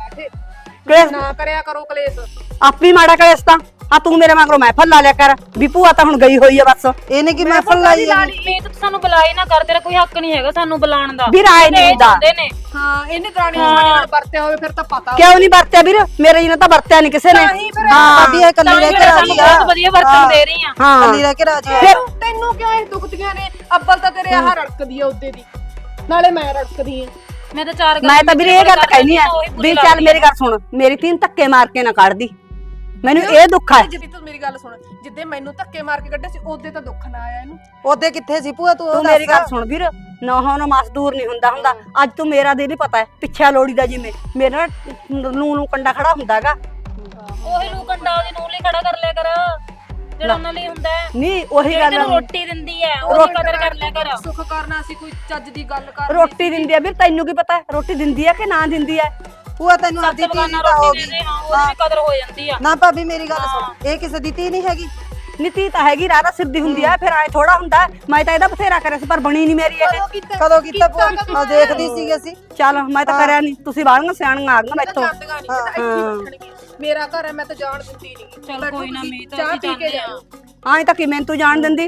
D: ਕਲੇਸ਼
F: ਨਾ ਕਰਿਆ ਕਰੋ ਕਲੇਸ਼।
D: ਆਪੀ ਮਾੜਾ ਕਲੇਸ਼ ਤਾਂ ਆ ਤੂੰ ਮੇਰੇ ਮਗਰੋਂ ਮਹਿਫਲ ਲਾ ਲਿਆ ਕਰ ਵੀ ਭੂਆ ਤਾਂ ਹੁਣ ਗਈ ਹੋਈ ਆ ਬਸ।
H: ਇਹਨੇ ਕੀ ਮਹਿਫਲ ਲਾਈ ਹੈ?
G: ਮੀਤ ਤੂੰ ਸਾਨੂੰ ਬੁਲਾਈ ਨਾ ਕਰ, ਤੇਰਾ ਕੋਈ ਹੱਕ ਨਹੀਂ ਹੈਗਾ ਸਾਨੂੰ ਬੁਲਾਉਣ ਦਾ।
D: ਵੀਰ ਆਏ ਨਹੀਂ ਹੁੰਦਾ।
G: ਹੁੰਦੇ ਨੇ
F: ਹਾਂ ਇਹਨੇ ਦਰਾਣੀ ਜਠਾਣੀ ਨਾਲ ਵਰਤਿਆ ਹੋਵੇ ਫਿਰ ਤਾਂ ਪਤਾ।
D: ਕਿਉਂ ਨਹੀਂ ਵਰਤਿਆ ਵੀਰ, ਮੇਰੇ ਜੀ ਨੇ ਤਾਂ ਵਰਤਿਆ ਨਹੀਂ ਕਿਸੇ ਨੇ। ਹਾਂ
H: ਭਾਬੀ ਇਹ ਕੱਲੀ ਰਹਿ ਕੇ ਰਾਜੀ ਆ।
G: ਬਹੁਤ ਵਧੀਆ ਵਰਤਨ ਦੇ ਰਹੀ ਆ।
D: ਹਾਂ
H: ਕੱਲੀ ਰਹਿ ਕੇ ਰਾਜੀ ਆ।
D: ਫਿਰ
F: ਤੈਨੂੰ ਕਿਉਂ ਇਹ ਦੁਖਦੀਆਂ ਨੇ? ਅੱਬਲ ਤਾਂ ਤੇਰੇ ਆਹ ਰੜਕਦੀ ਆ ਉਹਦੇ ਦੀ, ਨਾਲੇ ਮੈਂ ਰੜਕਦੀ ਆ।
G: ਮੈਂ ਤਾਂ ਚਾਰ
D: ਮੈਂ ਤਾਂ ਵੀਰੇ ਇਹ ਗੱਲ ਕਹਿਨੀ ਆ ਵੀ ਚੱਲ ਮੇਰੀ ਗੱਲ ਸੁਣ, ਮੇਰੀ ਧੀ ਨੂੰ ਧੱਕੇ ਮਾਰ ਕੇ ਨਾ ਕੱਢਦੀ, ਮੈਨੂੰ ਇਹ ਦੁੱਖ ਹੈ।
F: ਜਿੱਦੀ ਤੂੰ ਮੇਰੀ ਗੱਲ ਸੁਣ, ਜਿੱਦੇ ਮੈਨੂੰ ਧੱਕੇ ਮਾਰ ਕੇ ਕੱਢਿਆ ਸੀ ਉਹਦੇ ਤਾਂ ਦੁੱਖ ਨਾ ਆਇਆ ਇਹਨੂੰ।
H: ਉਹਦੇ ਕਿੱਥੇ ਸੀ ਭੂਆ ਤੂੰ?
D: ਤੂੰ ਮੇਰੀ ਗੱਲ ਸੁਣ ਵੀਰ, ਨੌਹਾਂ ਨੂੰ ਮਜ਼ਦੂਰ ਨਹੀਂ ਹੁੰਦਾ ਹੁੰਦਾ। ਅੱਜ ਤੂੰ ਮੇਰਾ ਦਿਲ ਹੀ ਪਤਾ ਹੈ ਪਿੱਛਾ ਲੋੜੀ ਦਾ, ਜਿਵੇਂ ਮੇਰਾ ਨੂੰ ਨੂੰ ਕੰਡਾ ਖੜਾ ਹੁੰਦਾਗਾ।
G: ਉਹੀ ਨੂੰ ਕੰਡਾ ਉਹਦੇ ਨੂੰ ਲਈ ਖੜਾ ਕਰ ਲਿਆ ਕਰ ਜਿਹੜਾ ਉਹਨਾਂ ਲਈ ਹੁੰਦਾ ਹੈ।
D: ਨਹੀਂ ਉਹੀ ਗੱਲ
G: ਤੈਨੂੰ ਰੋਟੀ ਦਿੰਦੀ ਹੈ ਉਹਦੀ ਕਦਰ ਕਰ ਲਿਆ ਕਰ।
F: ਸੁੱਖ ਕਰਨਾ ਸੀ ਕੋਈ ਚੱਜ ਦੀ ਗੱਲ ਕਰ।
D: ਰੋਟੀ ਦਿੰਦੀ ਆ ਵੀਰ, ਤੈਨੂੰ ਕੀ ਪਤਾ ਰੋਟੀ ਦਿੰਦੀ ਆ ਕਿ ਨਾ ਦਿੰਦੀ ਆ?
H: ਭੂਆ ਤੈਨੂੰ ਆਪਦੀ ਧੀ
G: ਬਗਾਨਾ
H: ਤਾਂ ਹੋ
G: ਰੋਟੀ
H: ਗਈ।
G: ਦੇ ਦੇ, ਹਾਂ ਉਹਦੀ ਵੀ ਕਦਰ ਹੋ ਜਾਂਦੀ ਆ।
H: ਨਾ ਭਾਬੀ ਮੇਰੀ ਗੱਲ ਸੁਣ, ਇਹ ਕਿਸੇ ਦੀ ਧੀ ਨਹੀਂ ਹੈਗੀ।
D: ਨੀਤੀ ਤਾਂ ਹੈਗੀ ਰਾਰਾ ਸਿੱਧੀ ਹੁੰਦੀ ਆ, ਫਿਰ ਐ ਥੋੜਾ ਹੁੰਦਾ। ਮੈਂ ਤਾਂ ਇਹਦਾ ਬਥੇਰਾ ਕਰਿਆ ਸੀ ਪਰ ਬਣੀ ਨਹੀਂ ਮੇਰੀ ਇਹ।
H: ਕਦੋਂ ਕੀਤਾ ਭੂਆ? ਆ ਦੇਖਦੀ ਸੀਗੇ ਅਸੀਂ।
D: ਚੱਲ ਮੈਂ ਤਾਂ ਕਰਿਆ ਨਹੀਂ, ਤੁਸੀਂ ਬਾਹਲੀਆਂ ਸਿਆਣੀਆਂ ਆ ਗਈਆਂ ਮੈਥੋਂ।
F: ਜਾਂਦੀਆਂ ਨਹੀਂ ਤਾਂ ਇੱਥੇ ਬੈਠਣਗੀਆਂ। ਮੇਰਾ ਘਰ ਹੈ ਮੈਂ ਤਾਂ ਜਾਣ ਦਿੰਦੀ ਨਹੀਂ।
G: ਚੱਲ ਕੋਈ ਨਾ ਮੀਤ
F: ਚਾਹ
G: ਅਸੀਂ
F: ਪੀ ਕੇ
G: ਜਾਂਦੇ ਆ।
F: ਜਾਓ।
D: ਐਂ ਤਾਂ ਕਿਵੇਂ ਤੂੰ ਜਾਣ ਦਿੰਦੀ?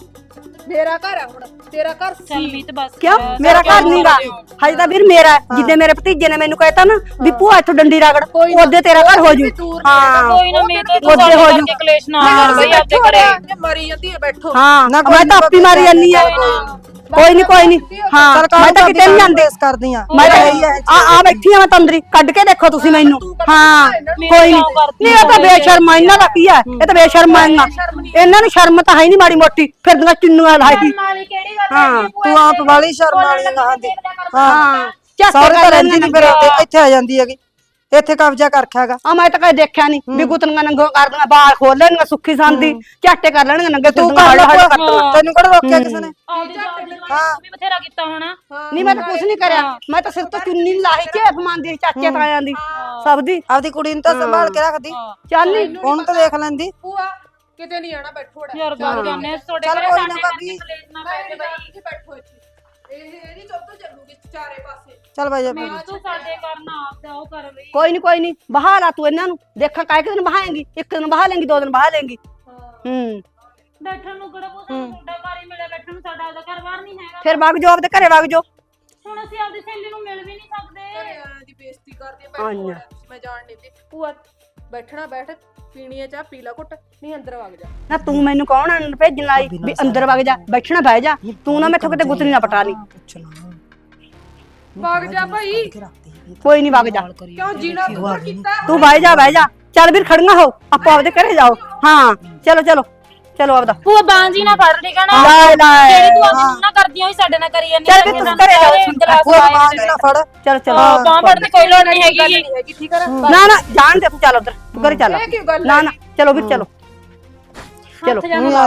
F: ਮੇਰਾ ਘਰ ਹੈ ਹੁਣ, ਤੇਰਾ ਘਰ
G: ਚੱਲ
F: ਸੀ।
G: ਮੀਤ ਬਸ
D: ਕਿਉਂ
G: ਕਰ,
D: ਮੇਰਾ
G: ਕਿਉਂ
D: ਘਰ ਨਹੀਂਗਾ ਹਜੇ ਤਾਂ ਵੀਰ ਮੇਰਾ ਹੈ। ਜਿੱਦੇ ਮੇਰੇ ਭਤੀਜੇ ਨੇ ਮੈਨੂੰ ਕਹਿਤਾ ਨਾ ਵੀ ਭੂਆ ਇੱਥੋਂ ਡੰਡੀ ਰਗੜ, ਉਹਦੇ ਤੇਰਾ ਘਰ ਹੋ ਜੂ। ਹਾਂ
G: ਕੋਈ ਨਾ ਮੀਤ ਤੂੰ
D: ਉਹਦੇ
G: ਸਾਡੇ
D: ਹੋ
G: ਕਰਕੇ ਕਲੇਸ਼ ਨਾ ਕਰ ਬਈ ਆਪਦੇ ਘਰੇ।
F: ਜੇ ਮਰੀ ਜਾਂਦੀ ਹੈ ਬੈਠੋ।
D: ਹਾਂ
H: ਨਾ
D: ਮੈਂ ਤਾਂ ਆਪੀ ਮਾਰੀ ਜਾਨੀ ਆ। ਕੋਈ ਨਹੀਂ ਕੋਈ ਨਹੀਂ, ਹਾਂ ਮੈਂ ਤਾਂ ਕਿਤੇ ਨਹੀਂ ਜਾਂਦੀ।
H: ਇਸ ਕਰਦੀ ਆ।
D: ਮੈਂ ਤਾਂ ਆ ਆ ਬੈਠੀ ਆ ਮੈਂ ਤੰਦਰੀ, ਕੱਢ ਕੇ ਦੇਖੋ ਤੁਸੀਂ ਮੈਨੂੰ। ਹਾਂ ਕੋਈ ਨਹੀਂ, ਨਹੀਂ ਇਹ ਤਾਂ ਬੇਸ਼ਰਮ ਆ, ਇਹਨਾਂ ਦਾ ਕੀ ਆ? ਇਹ ਤਾਂ ਬੇਸ਼ਰਮ ਆ। ਇਹਨਾਂ ਨੂੰ ਸ਼ਰਮ ਤਾਂ ਹੈ ਨਹੀਂ ਮਾੜੀ ਮੋਟੀ, ਫਿਰਦੀਆਂ ਚੁੰਨੀਆਂ ਲਾਈ।
G: ਨਾਲੀ ਕਿਹੜੀ ਗੱਲ
D: ਹਾਂ
H: ਤੂੰ ਆਪ ਵਾਲੀ ਸ਼ਰਮ ਵਾਲੀ ਗਾਂ ਦੀ।
D: ਹਾਂ ਚੱਕ
H: ਸੌਰੇ ਤਾਂ ਰਹਿੰਦੀ ਨਹੀਂ, ਫਿਰ ਇੱਥੇ ਆ ਜਾਂਦੀ ਹੈਗੀ। ਇੱਥੇ ਕਬਜ਼ਾ ਕਰ ਰੱਖਿਆਗਾ।
D: ਆ ਮੈਂ ਤਾਂ ਕਦੇ ਦੇਖਿਆ ਨਹੀਂ ਵੀ ਗੁੱਤਨੀਆਂ ਨੰਗੋ ਕਰਦੀਆਂ, ਬਾਲ ਖੋਲ ਲੈਣੀਆਂ ਸੁੱਖੀ ਸੰਦੀ, ਝਾਟੇ ਕਰ ਲੈਣੀਆਂ ਨੰਗੇ।
H: ਤੂੰ ਕਰ ਲੈ, ਤੈਨੂੰ ਕਿਹੜਾ ਰੋਕਿਆ ਕਿਸੇ ਨੇ?
G: ਆਉਂਦੀ ਹਾਂ ਵੀ ਬਥੇਰਾ ਕੀਤਾ ਹੋਣਾ।
D: ਨਹੀਂ ਮੈਂ ਤਾਂ ਕੁਝ ਨਹੀਂ ਕਰਿਆ, ਮੈਂ ਤਾਂ ਸਿਰ ਤੋਂ ਚੁੰਨੀ ਲਾਹੀ ਝੇਪ ਮੰਨਦੀ ਚਾਚੇ ਤਾਇਆਂ ਦੀ ਸਭ ਦੀ।
H: ਆਪਦੀ ਕੁੜੀ ਨੂੰ ਤਾਂ ਸੰਭਾਲ ਕੇ ਰੱਖਦੀ।
D: ਚੱਲ ਨਹੀਂ
H: ਉਹਨੂੰ ਤਾਂ ਦੇਖ ਲੈਂਦੀ।
F: ਭੂਆ ਕਿਤੇ ਨਹੀਂ ਆਣਾ, ਬੈਠੋ ੜਾ।
G: ਯਾਰ ਬਾਤ ਕਰਨੇ ਤੁਹਾਡੇ
H: ਚੱਲ
G: ਘਰੇ
H: ਕੋਈ ਨਾ
G: ਸਾਡੇ
H: ਭਾਬੀ।
G: ਕਰਕੇ ਕਲੇਸ਼ ਨਾ ਪੈ ਜਾਏ ਬਈ।
F: ਇੱਥੇ ਬੈਠੋ ਇੱਥੇ। ਇਹ ਇਹਦੀ ਚੁੱਪ ਚੱਲੂਗੀ ਚਾਰੇ ਪਾਸੇ।
H: ਚੱਲ ਬਾਈ ਜਾ।
G: ਮੈਂ ਤੂੰ ਸਾਡੇ ਘਰ ਨਾ ਆਪਦਾ ਉਹ ਕਰ ਬਈ।
D: ਕੋਈ ਨਹੀਂ ਕੋਈ ਨਹੀਂ, ਬਹਾ ਲਾ ਤੂੰ ਇਹਨਾਂ ਨੂੰ, ਦੇਖਾਂ ਕਾਇ ਕਿ ਦਿਨ ਬਹਾਏਂਗੀ, ਇੱਕ ਦਿਨ ਬਹਾ ਲੇਂਗੀ, ਦੋ ਦਿਨ ਬਹਾ ਲੇਂਗੀ। ਹੂੰ
G: ਬੈਠਣ ਨੂੰ ਕਿਹੜਾ ਕੋਈ ਸਾਨੂੰ ਤੁਹਾਡਾ ਘਰ ਹੀ ਮਿਲਿਆ ਬੈਠਣ ਨੂੰ, ਸਾਡਾ ਆਪਦਾ ਘਰ ਬਾਹਰ ਨਹੀਂ ਹੈਗਾ।
D: ਫਿਰ ਵਗ ਜਾਓ ਆਪਦੇ ਘਰੇ ਵਗ ਜਾਓ।
G: ਹੁਣ ਅਸੀਂ ਆਪਦੀ ਸਹੇਲੀ ਨੂੰ ਮਿਲ ਵੀ ਨਹੀਂ ਸਕਦੇ।
F: ਘਰੇ ਆਇਆਂ ਦੀ ਬੇਇੱਜ਼ਤੀ ਕਰਦੀ ਆ ਭੈਣ, ਮੈਂ ਜਾਣ ਨਹੀਂ ਦੀ। ਭੂਆ ਬੈਠਣਾ ਬੈਠ, ਪੀਣੀ ਆ ਚਾਹ ਪੀ ਲਾ ਘੁੱਟ, ਨਹੀਂ ਅੰਦਰ ਵਗ ਜਾ।
D: ਨਾ ਤੂੰ ਮੈਨੂੰ ਕੌਣ ਅੰਦਰ ਭੇਜਣ ਆਈ ਵੀ ਅੰਦਰ ਵਗ ਜਾ, ਬੈਠਣਾ ਬਹਿ ਜਾ। ਤੂੰ ਨਾ ਮੈਥੋਂ ਕਿਤੇ ਗੁੱਤਰੀ ਨਾ ਪਟਾ ਲਈ।
F: ਵਗ ਜਾ ਭਾਈ।
D: ਕੋਈ ਨਹੀਂ ਵਗ ਜਾ,
F: ਕਿਉਂ ਜੀਣਾ ਤੂੰ ਕੀਤਾ?
D: ਤੂੰ ਬਹਿ ਜਾ ਬਹਿ ਜਾ। ਚੱਲ ਵੀਰ ਖੜੀਆਂ ਹੋ, ਆਪੋ ਆਪਦੇ ਘਰੇ ਜਾਓ। ਹਾਂ ਚਲੋ ਚਲੋ ਚਲੋ ਆਪਦਾ।
G: ਭੂਆ ਬਾਂਜੀ ਨਾ ਫੜ ਲਈ ਕਹਣਾ
D: ਲੈ ਲੈ
G: ਜਿਹੜੀ ਤੂੰ ਆਪਣੀ ਨਾ ਕਰਦੀ ਹੋਈ ਸਾਡੇ ਨਾਲ ਕਰੀ ਜਾਂਦੀ।
D: ਚੱਲ ਵੀ ਤੂੰ ਘਰੇ ਜਾ,
H: ਭੂਆ ਬਾਂਝ ਨਾ ਫੜ।
D: ਚਲੋ ਚਲੋ।
G: ਬਾਂਹ ਫੜਨ ਦੀ ਕੋਈ ਲੋੜ ਨਹੀਂ ਹੈਗੀ।
F: ਹੈਗੀ ਠੀਕ ਆ।
D: ਨਾ ਨਾ ਜਾਣ ਦੇ, ਤੂੰ ਚੱਲ ਉਧਰ, ਤੂੰ ਘਰੇ ਚੱਲ।
F: ਇਹ ਕੀ ਗੱਲ
D: ਨਾ ਨਾ ਚਲੋ ਵੀਰ ਚਲੋ ਚਲੋ।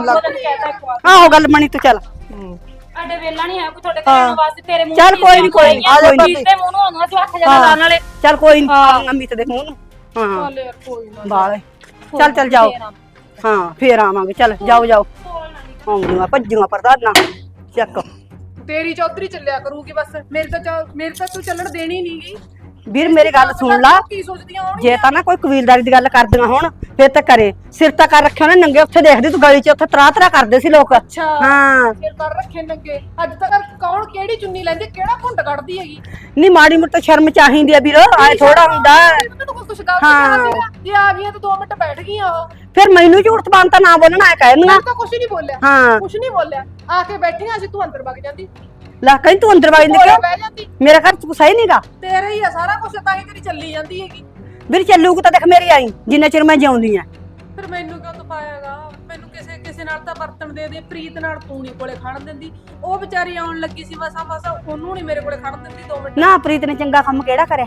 G: ਆਹੋ
D: ਆਹੋ ਗੱਲ ਬਣੀ, ਤੂੰ ਚੱਲ।
G: ਅੱਡੇ ਵੇਲਾ ਨਹੀਂ ਹੈ ਕੋਈ ਤੁਹਾਡੇ ਘਰ ਵਾਸਤੇ ਤੇਰੇ ਮੂੰਹ
D: ਚੱਲ ਕੋਈ ਨੀ, ਕੋਈ ਨੀ,
G: ਆ ਜਾ
D: ਕੋਈ ਨੀ।
G: ਤੇ ਮੂੰਹ ਨੂੰ ਆਉਂਦਾ ਤੂੰ ਅੱਖ ਜਗਾ ਲਾਣ ਵਾਲੇ।
D: ਚੱਲ ਕੋਈ ਨਹੀਂ, ਅਮਿਤ ਦੇ ਮੂੰਹ ਨੂੰ। ਹਾਂ
F: ਚੱਲ ਯਾਰ ਕੋਈ ਨਾ।
D: ਬਾਲੇ ਚੱਲ ਚੱਲ ਜਾਓ। ਹਾਂ ਫੇਰ ਆਵਾਂਗੇ। ਚੱਲ ਜਾਓ ਜਾਓ। ਆਉਂਦੀਆਂ ਭੱਜੀਆਂ ਪ੍ਰਧਾਨਾਂ ਚੱਕ।
F: ਤੇਰੀ ਚੌਧਰੀ ਚੱਲਿਆ ਕਰੂਗੀ ਬਸ, ਮੇਰੇ ਤਾਂ ਚੱਲ- ਮੇਰੇ ਤਾਂ ਤੂੰ ਚੱਲਣ ਦੇਣੀ ਨਹੀਂਗੀ।
D: ਵੀਰ ਮੇਰੀ ਗੱਲ ਸੁਣ ਲਾ,
F: ਕੀ ਸੋਚਦੀਆਂ ਹੋਣਗੀਆਂ?
D: ਜੇ ਤਾਂ ਨਾ ਕੋਈ ਕਬੀਲਦਾਰੀ ਦੀ ਗੱਲ ਕਰਦੀਆਂ ਹੋਣ ਫੇਰ ਤਾਂ ਕਰੇ। ਸਿਰ ਤਾਂ ਕਰ ਰੱਖਿਆ ਉਹਨੇ ਨੰਗੇ, ਉੱਥੇ ਦੇਖਦੀ ਤੂੰ ਗਲੀ 'ਚ, ਉੱਥੇ ਤਰਾ ਤਰਾ ਕਰਦੇ ਸੀ ਲੋਕ।
F: ਅੱਛਾ
D: ਹਾਂ
F: ਫਿਰ ਕਰ ਰੱਖੇ ਨੰਗੇ। ਅੱਜ ਤੱਕ ਕੌਣ ਕਿਹੜੀ ਚੁੰਨੀ ਲੈਂਦੀ, ਕਿਹੜਾ ਘੁੰਡ ਕੱਢਦੀ ਹੈਗੀ?
D: ਨਹੀਂ ਮਾੜੀ ਮੋਟੀ ਸ਼ਰਮ ਚਾਹੀਦੀ ਆ ਵੀਰ, ਆਏ ਥੋੜਾ ਹੁੰਦਾ।
F: ਤੂੰ ਕੁਝ ਗਲਤ
D: ਹਾਂ।
F: ਕਿਹਾ ਸੀਗਾ? ਜੇ ਆ ਗਈਆਂ ਤਾਂ ਦੋ ਮਿੰਟ ਬੈਠ ਗਈਆਂ ਉਹ।
D: ਫਿਰ ਮੈਨੂੰ ਝੂਠ ਬਾਨ ਤਾਂ ਨਾ ਬੋਲਣਾ ਐ ਕਹਿ ਦਿੰਦਾ।
F: ਮੈਂ ਤਾਂ ਕੁਝ ਨਹੀਂ ਬੋਲਿਆ,
D: ਹਾਂ
F: ਕੁਝ ਨਹੀਂ ਬੋਲਿਆ। ਆ ਕੇ ਬੈਠੀਆਂ ਸੀ, ਤੂੰ ਅੰਦਰ ਵਗ ਜਾਂਦੀ,
D: ਲੈ ਕਹੀਂ ਤੂੰ ਅੰਦਰ ਵਗ ਜਾਂਦੀ
F: ਕੋਲੇ
D: ਕਿਉਂ?
F: ਬਹਿ ਜਾਂਦੀ।
D: ਮੇਰਾ ਘਰ ਚ ਕੁਛ ਹੈ ਨਹੀਂਗਾ
F: ਤੇਰਾ ਹੀ ਆ ਸਾਰਾ ਕੁਝ, ਤਾਂ ਹੀ ਤੇਰੀ ਚੱਲੀ ਜਾਂਦੀ ਹੈਗੀ।
D: ਵੀਰ। ਚੱਲੂਗੀ ਤਾਂ ਦੇਖ ਮੇਰੀ ਆਈ, ਜਿੰਨਾ ਚਿਰ ਮੈਂ ਜਿਉਂਦੀ ਆ।
F: ਫਿਰ ਮੈਨੂੰ ਕਿਉਂ ਤਪਾਇਆਗਾ? ਮੈਨੂੰ ਕਿਸੇ ਕਿਸੇ ਨਾਲ ਤਾਂ ਵਰਤਣ ਦੇ ਦੇ। ਪ੍ਰੀਤ ਨਾਲ ਤੂੰ ਨਹੀਂ ਕੋਲੇ ਖੜਨ ਦਿੰਦੀ। ਉਹ ਵਿਚਾਰੀ ਆਉਣ ਲੱਗੀ ਸੀ ਮਸਾ ਮਸਾ, ਉਹਨੂੰ ਨਹੀਂ ਮੇਰੇ ਕੋਲੇ ਖੜਨ ਦਿੰਦੀ ਦੋ ਮਿੰਟ।
D: ਨਾ ਪ੍ਰੀਤ ਨੇ ਚੰਗਾ ਕੰਮ ਕਿਹੜਾ ਕਰਿਆ?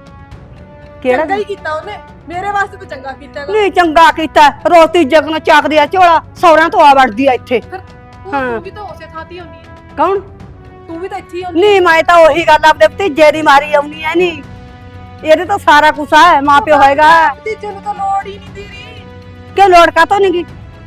D: ਕਿਹੜਾ
F: ਚੰਗਾ ਹੀ ਕੀਤਾ ਉਹਨੇ, ਮੇਰੇ ਵਾਸਤੇ ਤਾਂ ਚੰਗਾ ਕੀਤਾ ਹੈਗਾ।
D: ਨਹੀਂ ਚੰਗਾ ਕੀਤਾ, ਰੋਟੀ ਜਗਨ ਚੱਕਦੀ ਆ ਝੋਲਾ, ਸੌਰਿਆਂ ਤੋਂ ਆ ਵੜਦੀ ਆ ਇੱਥੇ।
F: ਫਿਰ ਤੂੰ ਤੂੰ ਵੀ ਤਾਂ ਉਸੇ ਥਾਂ ਤੇ ਹੁੰਦੀ ਹੈ।
D: ਕੌਣ?
F: ਤੂੰ ਵੀ ਤਾਂ ਇੱਥੇ ਹੀ ਹੁੰਦੀ
D: ਨਹੀਂ ਮੈਂ ਤਾਂ ਉਹੀ ਗੱਲ ਆਪਦੇ ਭਤੀਜੇ ਦੀ ਮਾਰੀ ਆਉਣੀ ਐ। ਨਹੀਂ ਇਹਦੇ ਤਾਂ ਸਾਰਾ ਕੁਛ ਆ, ਮਾਂ ਪਿਓ ਹੋਏਗਾ।
F: ਭਤੀਜੇ ਨੂੰ ਤਾਂ ਲੋੜ ਹੀ ਨਹੀਂ ਤੇਰੀ।
D: ਕਿ ਲੋੜ ਕਾਤੋਂ ਨਹੀਂ ਗੀ?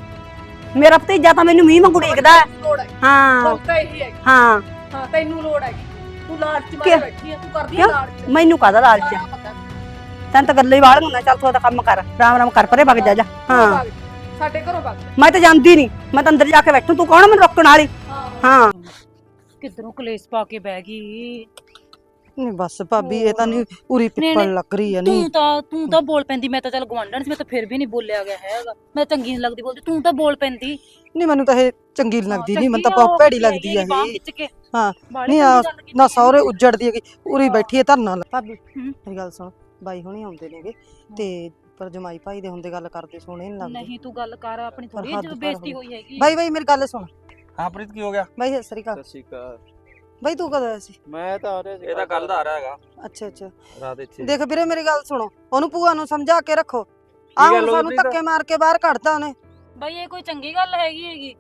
D: ਮੇਰਾ ਭਤੀਜਾ ਤਾਂ ਮੈਨੂੰ ਮੀਂਹ ਵਾਂਗੂ ਡੀਕਦਾ ਹੈ।
F: ਲੋੜ ਹੈ,
D: ਹਾਂ
F: ਲੋੜ ਤਾਂ ਇਹੀ ਹੈਗੀ।
D: ਹਾਂ
F: ਹਾਂ ਤੈਨੂੰ ਲੋੜ ਹੈਗੀ, ਤੂੰ ਲਾਲਚ ਮਾਰੇ
D: ਕਿਉਂ?
F: ਬੈਠੀ ਆ, ਤੂੰ ਕਰਦੀ ਆ
D: ਕਿਉਂ?
F: ਲਾਲਚ।
D: ਮੈਨੂੰ ਕਾਹਦਾ ਲਾਲਚ ਹੈ?
F: ਸਾਰਾ ਪਤਾ।
D: ਤੈਨੂੰ ਤਾਂ ਗੱਲਾਂ ਹੀ ਵਾਲ ਹੁੰਦਾ। ਚੱਲ ਤੂੰ ਉਹਦਾ ਕੰਮ ਕਰ, ਰਾਮ ਰਾਮ ਕਰ, ਪਰੇ ਵਗ ਜਾ ਜਾ। ਹਾਂ
F: ਭੱਗ ਜਾ, ਸਾਡੇ ਘਰੋਂ ਭੱਗ ਜਾ।
D: ਮੈਂ ਤਾਂ ਜਾਂਦੀ ਨਹੀਂ, ਮੈਂ ਤਾਂ ਅੰਦਰ ਜਾ ਕੇ ਬੈਠੂ। ਤੂੰ ਕੌਣ ਮੈਨੂੰ ਰੋਕਣ ਵਾਲੀ? ਹਾਂ
G: ਕਿੱਧਰੋਂ ਕਲੇਸ਼ ਪਾ ਕੇ ਬਹਿ ਗਈ।
H: ਨਹੀਂ ਬਸ ਭਾਬੀ, ਇਹ ਤਾਂ ਨਹੀਂ ਉਰੀ ਪਿੱਪਲ ਲੱਗ ਰਹੀ ਹੈ। ਨਹੀਂ
G: ਤੂੰ ਤਾਂ ਤੂੰ ਤਾਂ ਬੋਲ ਪੈਂਦੀ। ਮੈਂ ਤਾਂ ਚੱਲ ਗਵਾਂਢਣ ਸੀ, ਮੈਂ ਤਾਂ ਫਿਰ ਵੀ ਨਹੀਂ ਬੋਲਿਆ ਗਿਆ ਹੈਗਾ। ਮੈਂ ਚੰਗੀ ਨਹੀਂ ਲੱਗਦੀ ਬੋਲਦੀ, ਤੂੰ ਤਾਂ ਬੋਲ ਪੈਂਦੀ।
H: ਨਹੀਂ ਮੈਨੂੰ ਤਾਂ ਇਹ ਚੰਗੀ ਨੀ ਲੱਗਦੀ। ਨਹੀਂ ਮੈਨੂੰ ਤਾਂ ਬਹੁਤ ਭੈੜੀ ਲੱਗਦੀ ਹੈ
G: ਬਾਂਹ
H: ਇਹ।
G: ਖਿੱਚ ਕੇ
H: ਹਾਂ
G: ਬਾਹਲੀ
H: ਨਹੀਂ
G: ਚੰਗੀ
H: ਆ
G: ਗੱਲ ਕੀਤੀ
H: ਨਾ
G: ਹੈ।
H: ਸਹੁਰੇ ਉੱਜੜਦੀ ਹੈਗੀ, ਉਰੀ ਬੈਠੀ ਹੈ ਧਰਨਾ ਲਾ। ਭਾਬੀ
G: ਹੂੰ।
H: ਮੇਰੀ ਗੱਲ ਸੁਣ, ਬਾਈ ਹੁਣੀ ਆਉਂਦੇ ਨੇਗੇ ਤੇ ਪਰ ਜਮਾਈ ਭਾਈ ਦੇ ਹੁੰਦੇ ਗੱਲ ਕਰਦੇ ਸੋਹਣੇ ਨਹੀਂ ਲੱਗਦੇ।
G: ਨਹੀਂ ਤੂੰ ਗੱਲ ਕਰ ਆਪਣੀ, ਥੋੜੀ
H: ਹੱਦ
G: ਜਿਹੀ
H: ਪਾਰ
G: ਬੇਇੱਜ਼ਤੀ
H: ਹੋਈ।
G: ਹੋਈ ਹੈਗੀ।
H: ਬਾਈ ਬਾਈ ਮੇਰੀ ਗੱਲ ਸੁਣ।
C: ਹਾਂ ਪ੍ਰੀਤ ਕੀ ਹੋ ਗਿਆ?
H: ਬਾਈ ਸਤਿ ਸ੍ਰੀ ਅਕਾਲ।
B: ਸਤਿ ਸ਼੍ਰੀ ਅਕਾਲ।
H: ਬਾਈ ਤੂੰ ਕਦੋਂ ਆਇਆ ਸੀ?
B: ਮੈਂ ਤਾਂ ਆ ਰਿਹਾ ਸੀ।
C: ਇਹ ਤਾਂ ਕੱਲ ਦਾ ਆ ਰਿਹਾ ਹੈਗਾ,
H: ਅੱਛਾ ਅੱਛਾ।
C: ਰਾਤ ਇੱਥੇ।
H: ਦੇਖ ਵੀਰੇ ਮੇਰੀ ਗੱਲ ਸੁਣੋ, ਉਹਨੂੰ ਭੂਆ ਨੂੰ ਸਮਝਾ ਕੇ ਰੱਖੋ। ਆਹ
C: ਗੱਲ
H: ਹੁਣ
C: ਹੋ ਗਈ
H: ਸਾਨੂੰ
C: ਪ੍ਰੀਤ?
H: ਧੱਕੇ ਮਾਰ ਕੇ ਬਾਹਰ ਕੱਢਤਾ ਉਹਨੇ।
G: ਬਈ ਇਹ ਕੋਈ ਚੰਗੀ ਗੱਲ ਹੈਗੀ ਹੈਗੀ?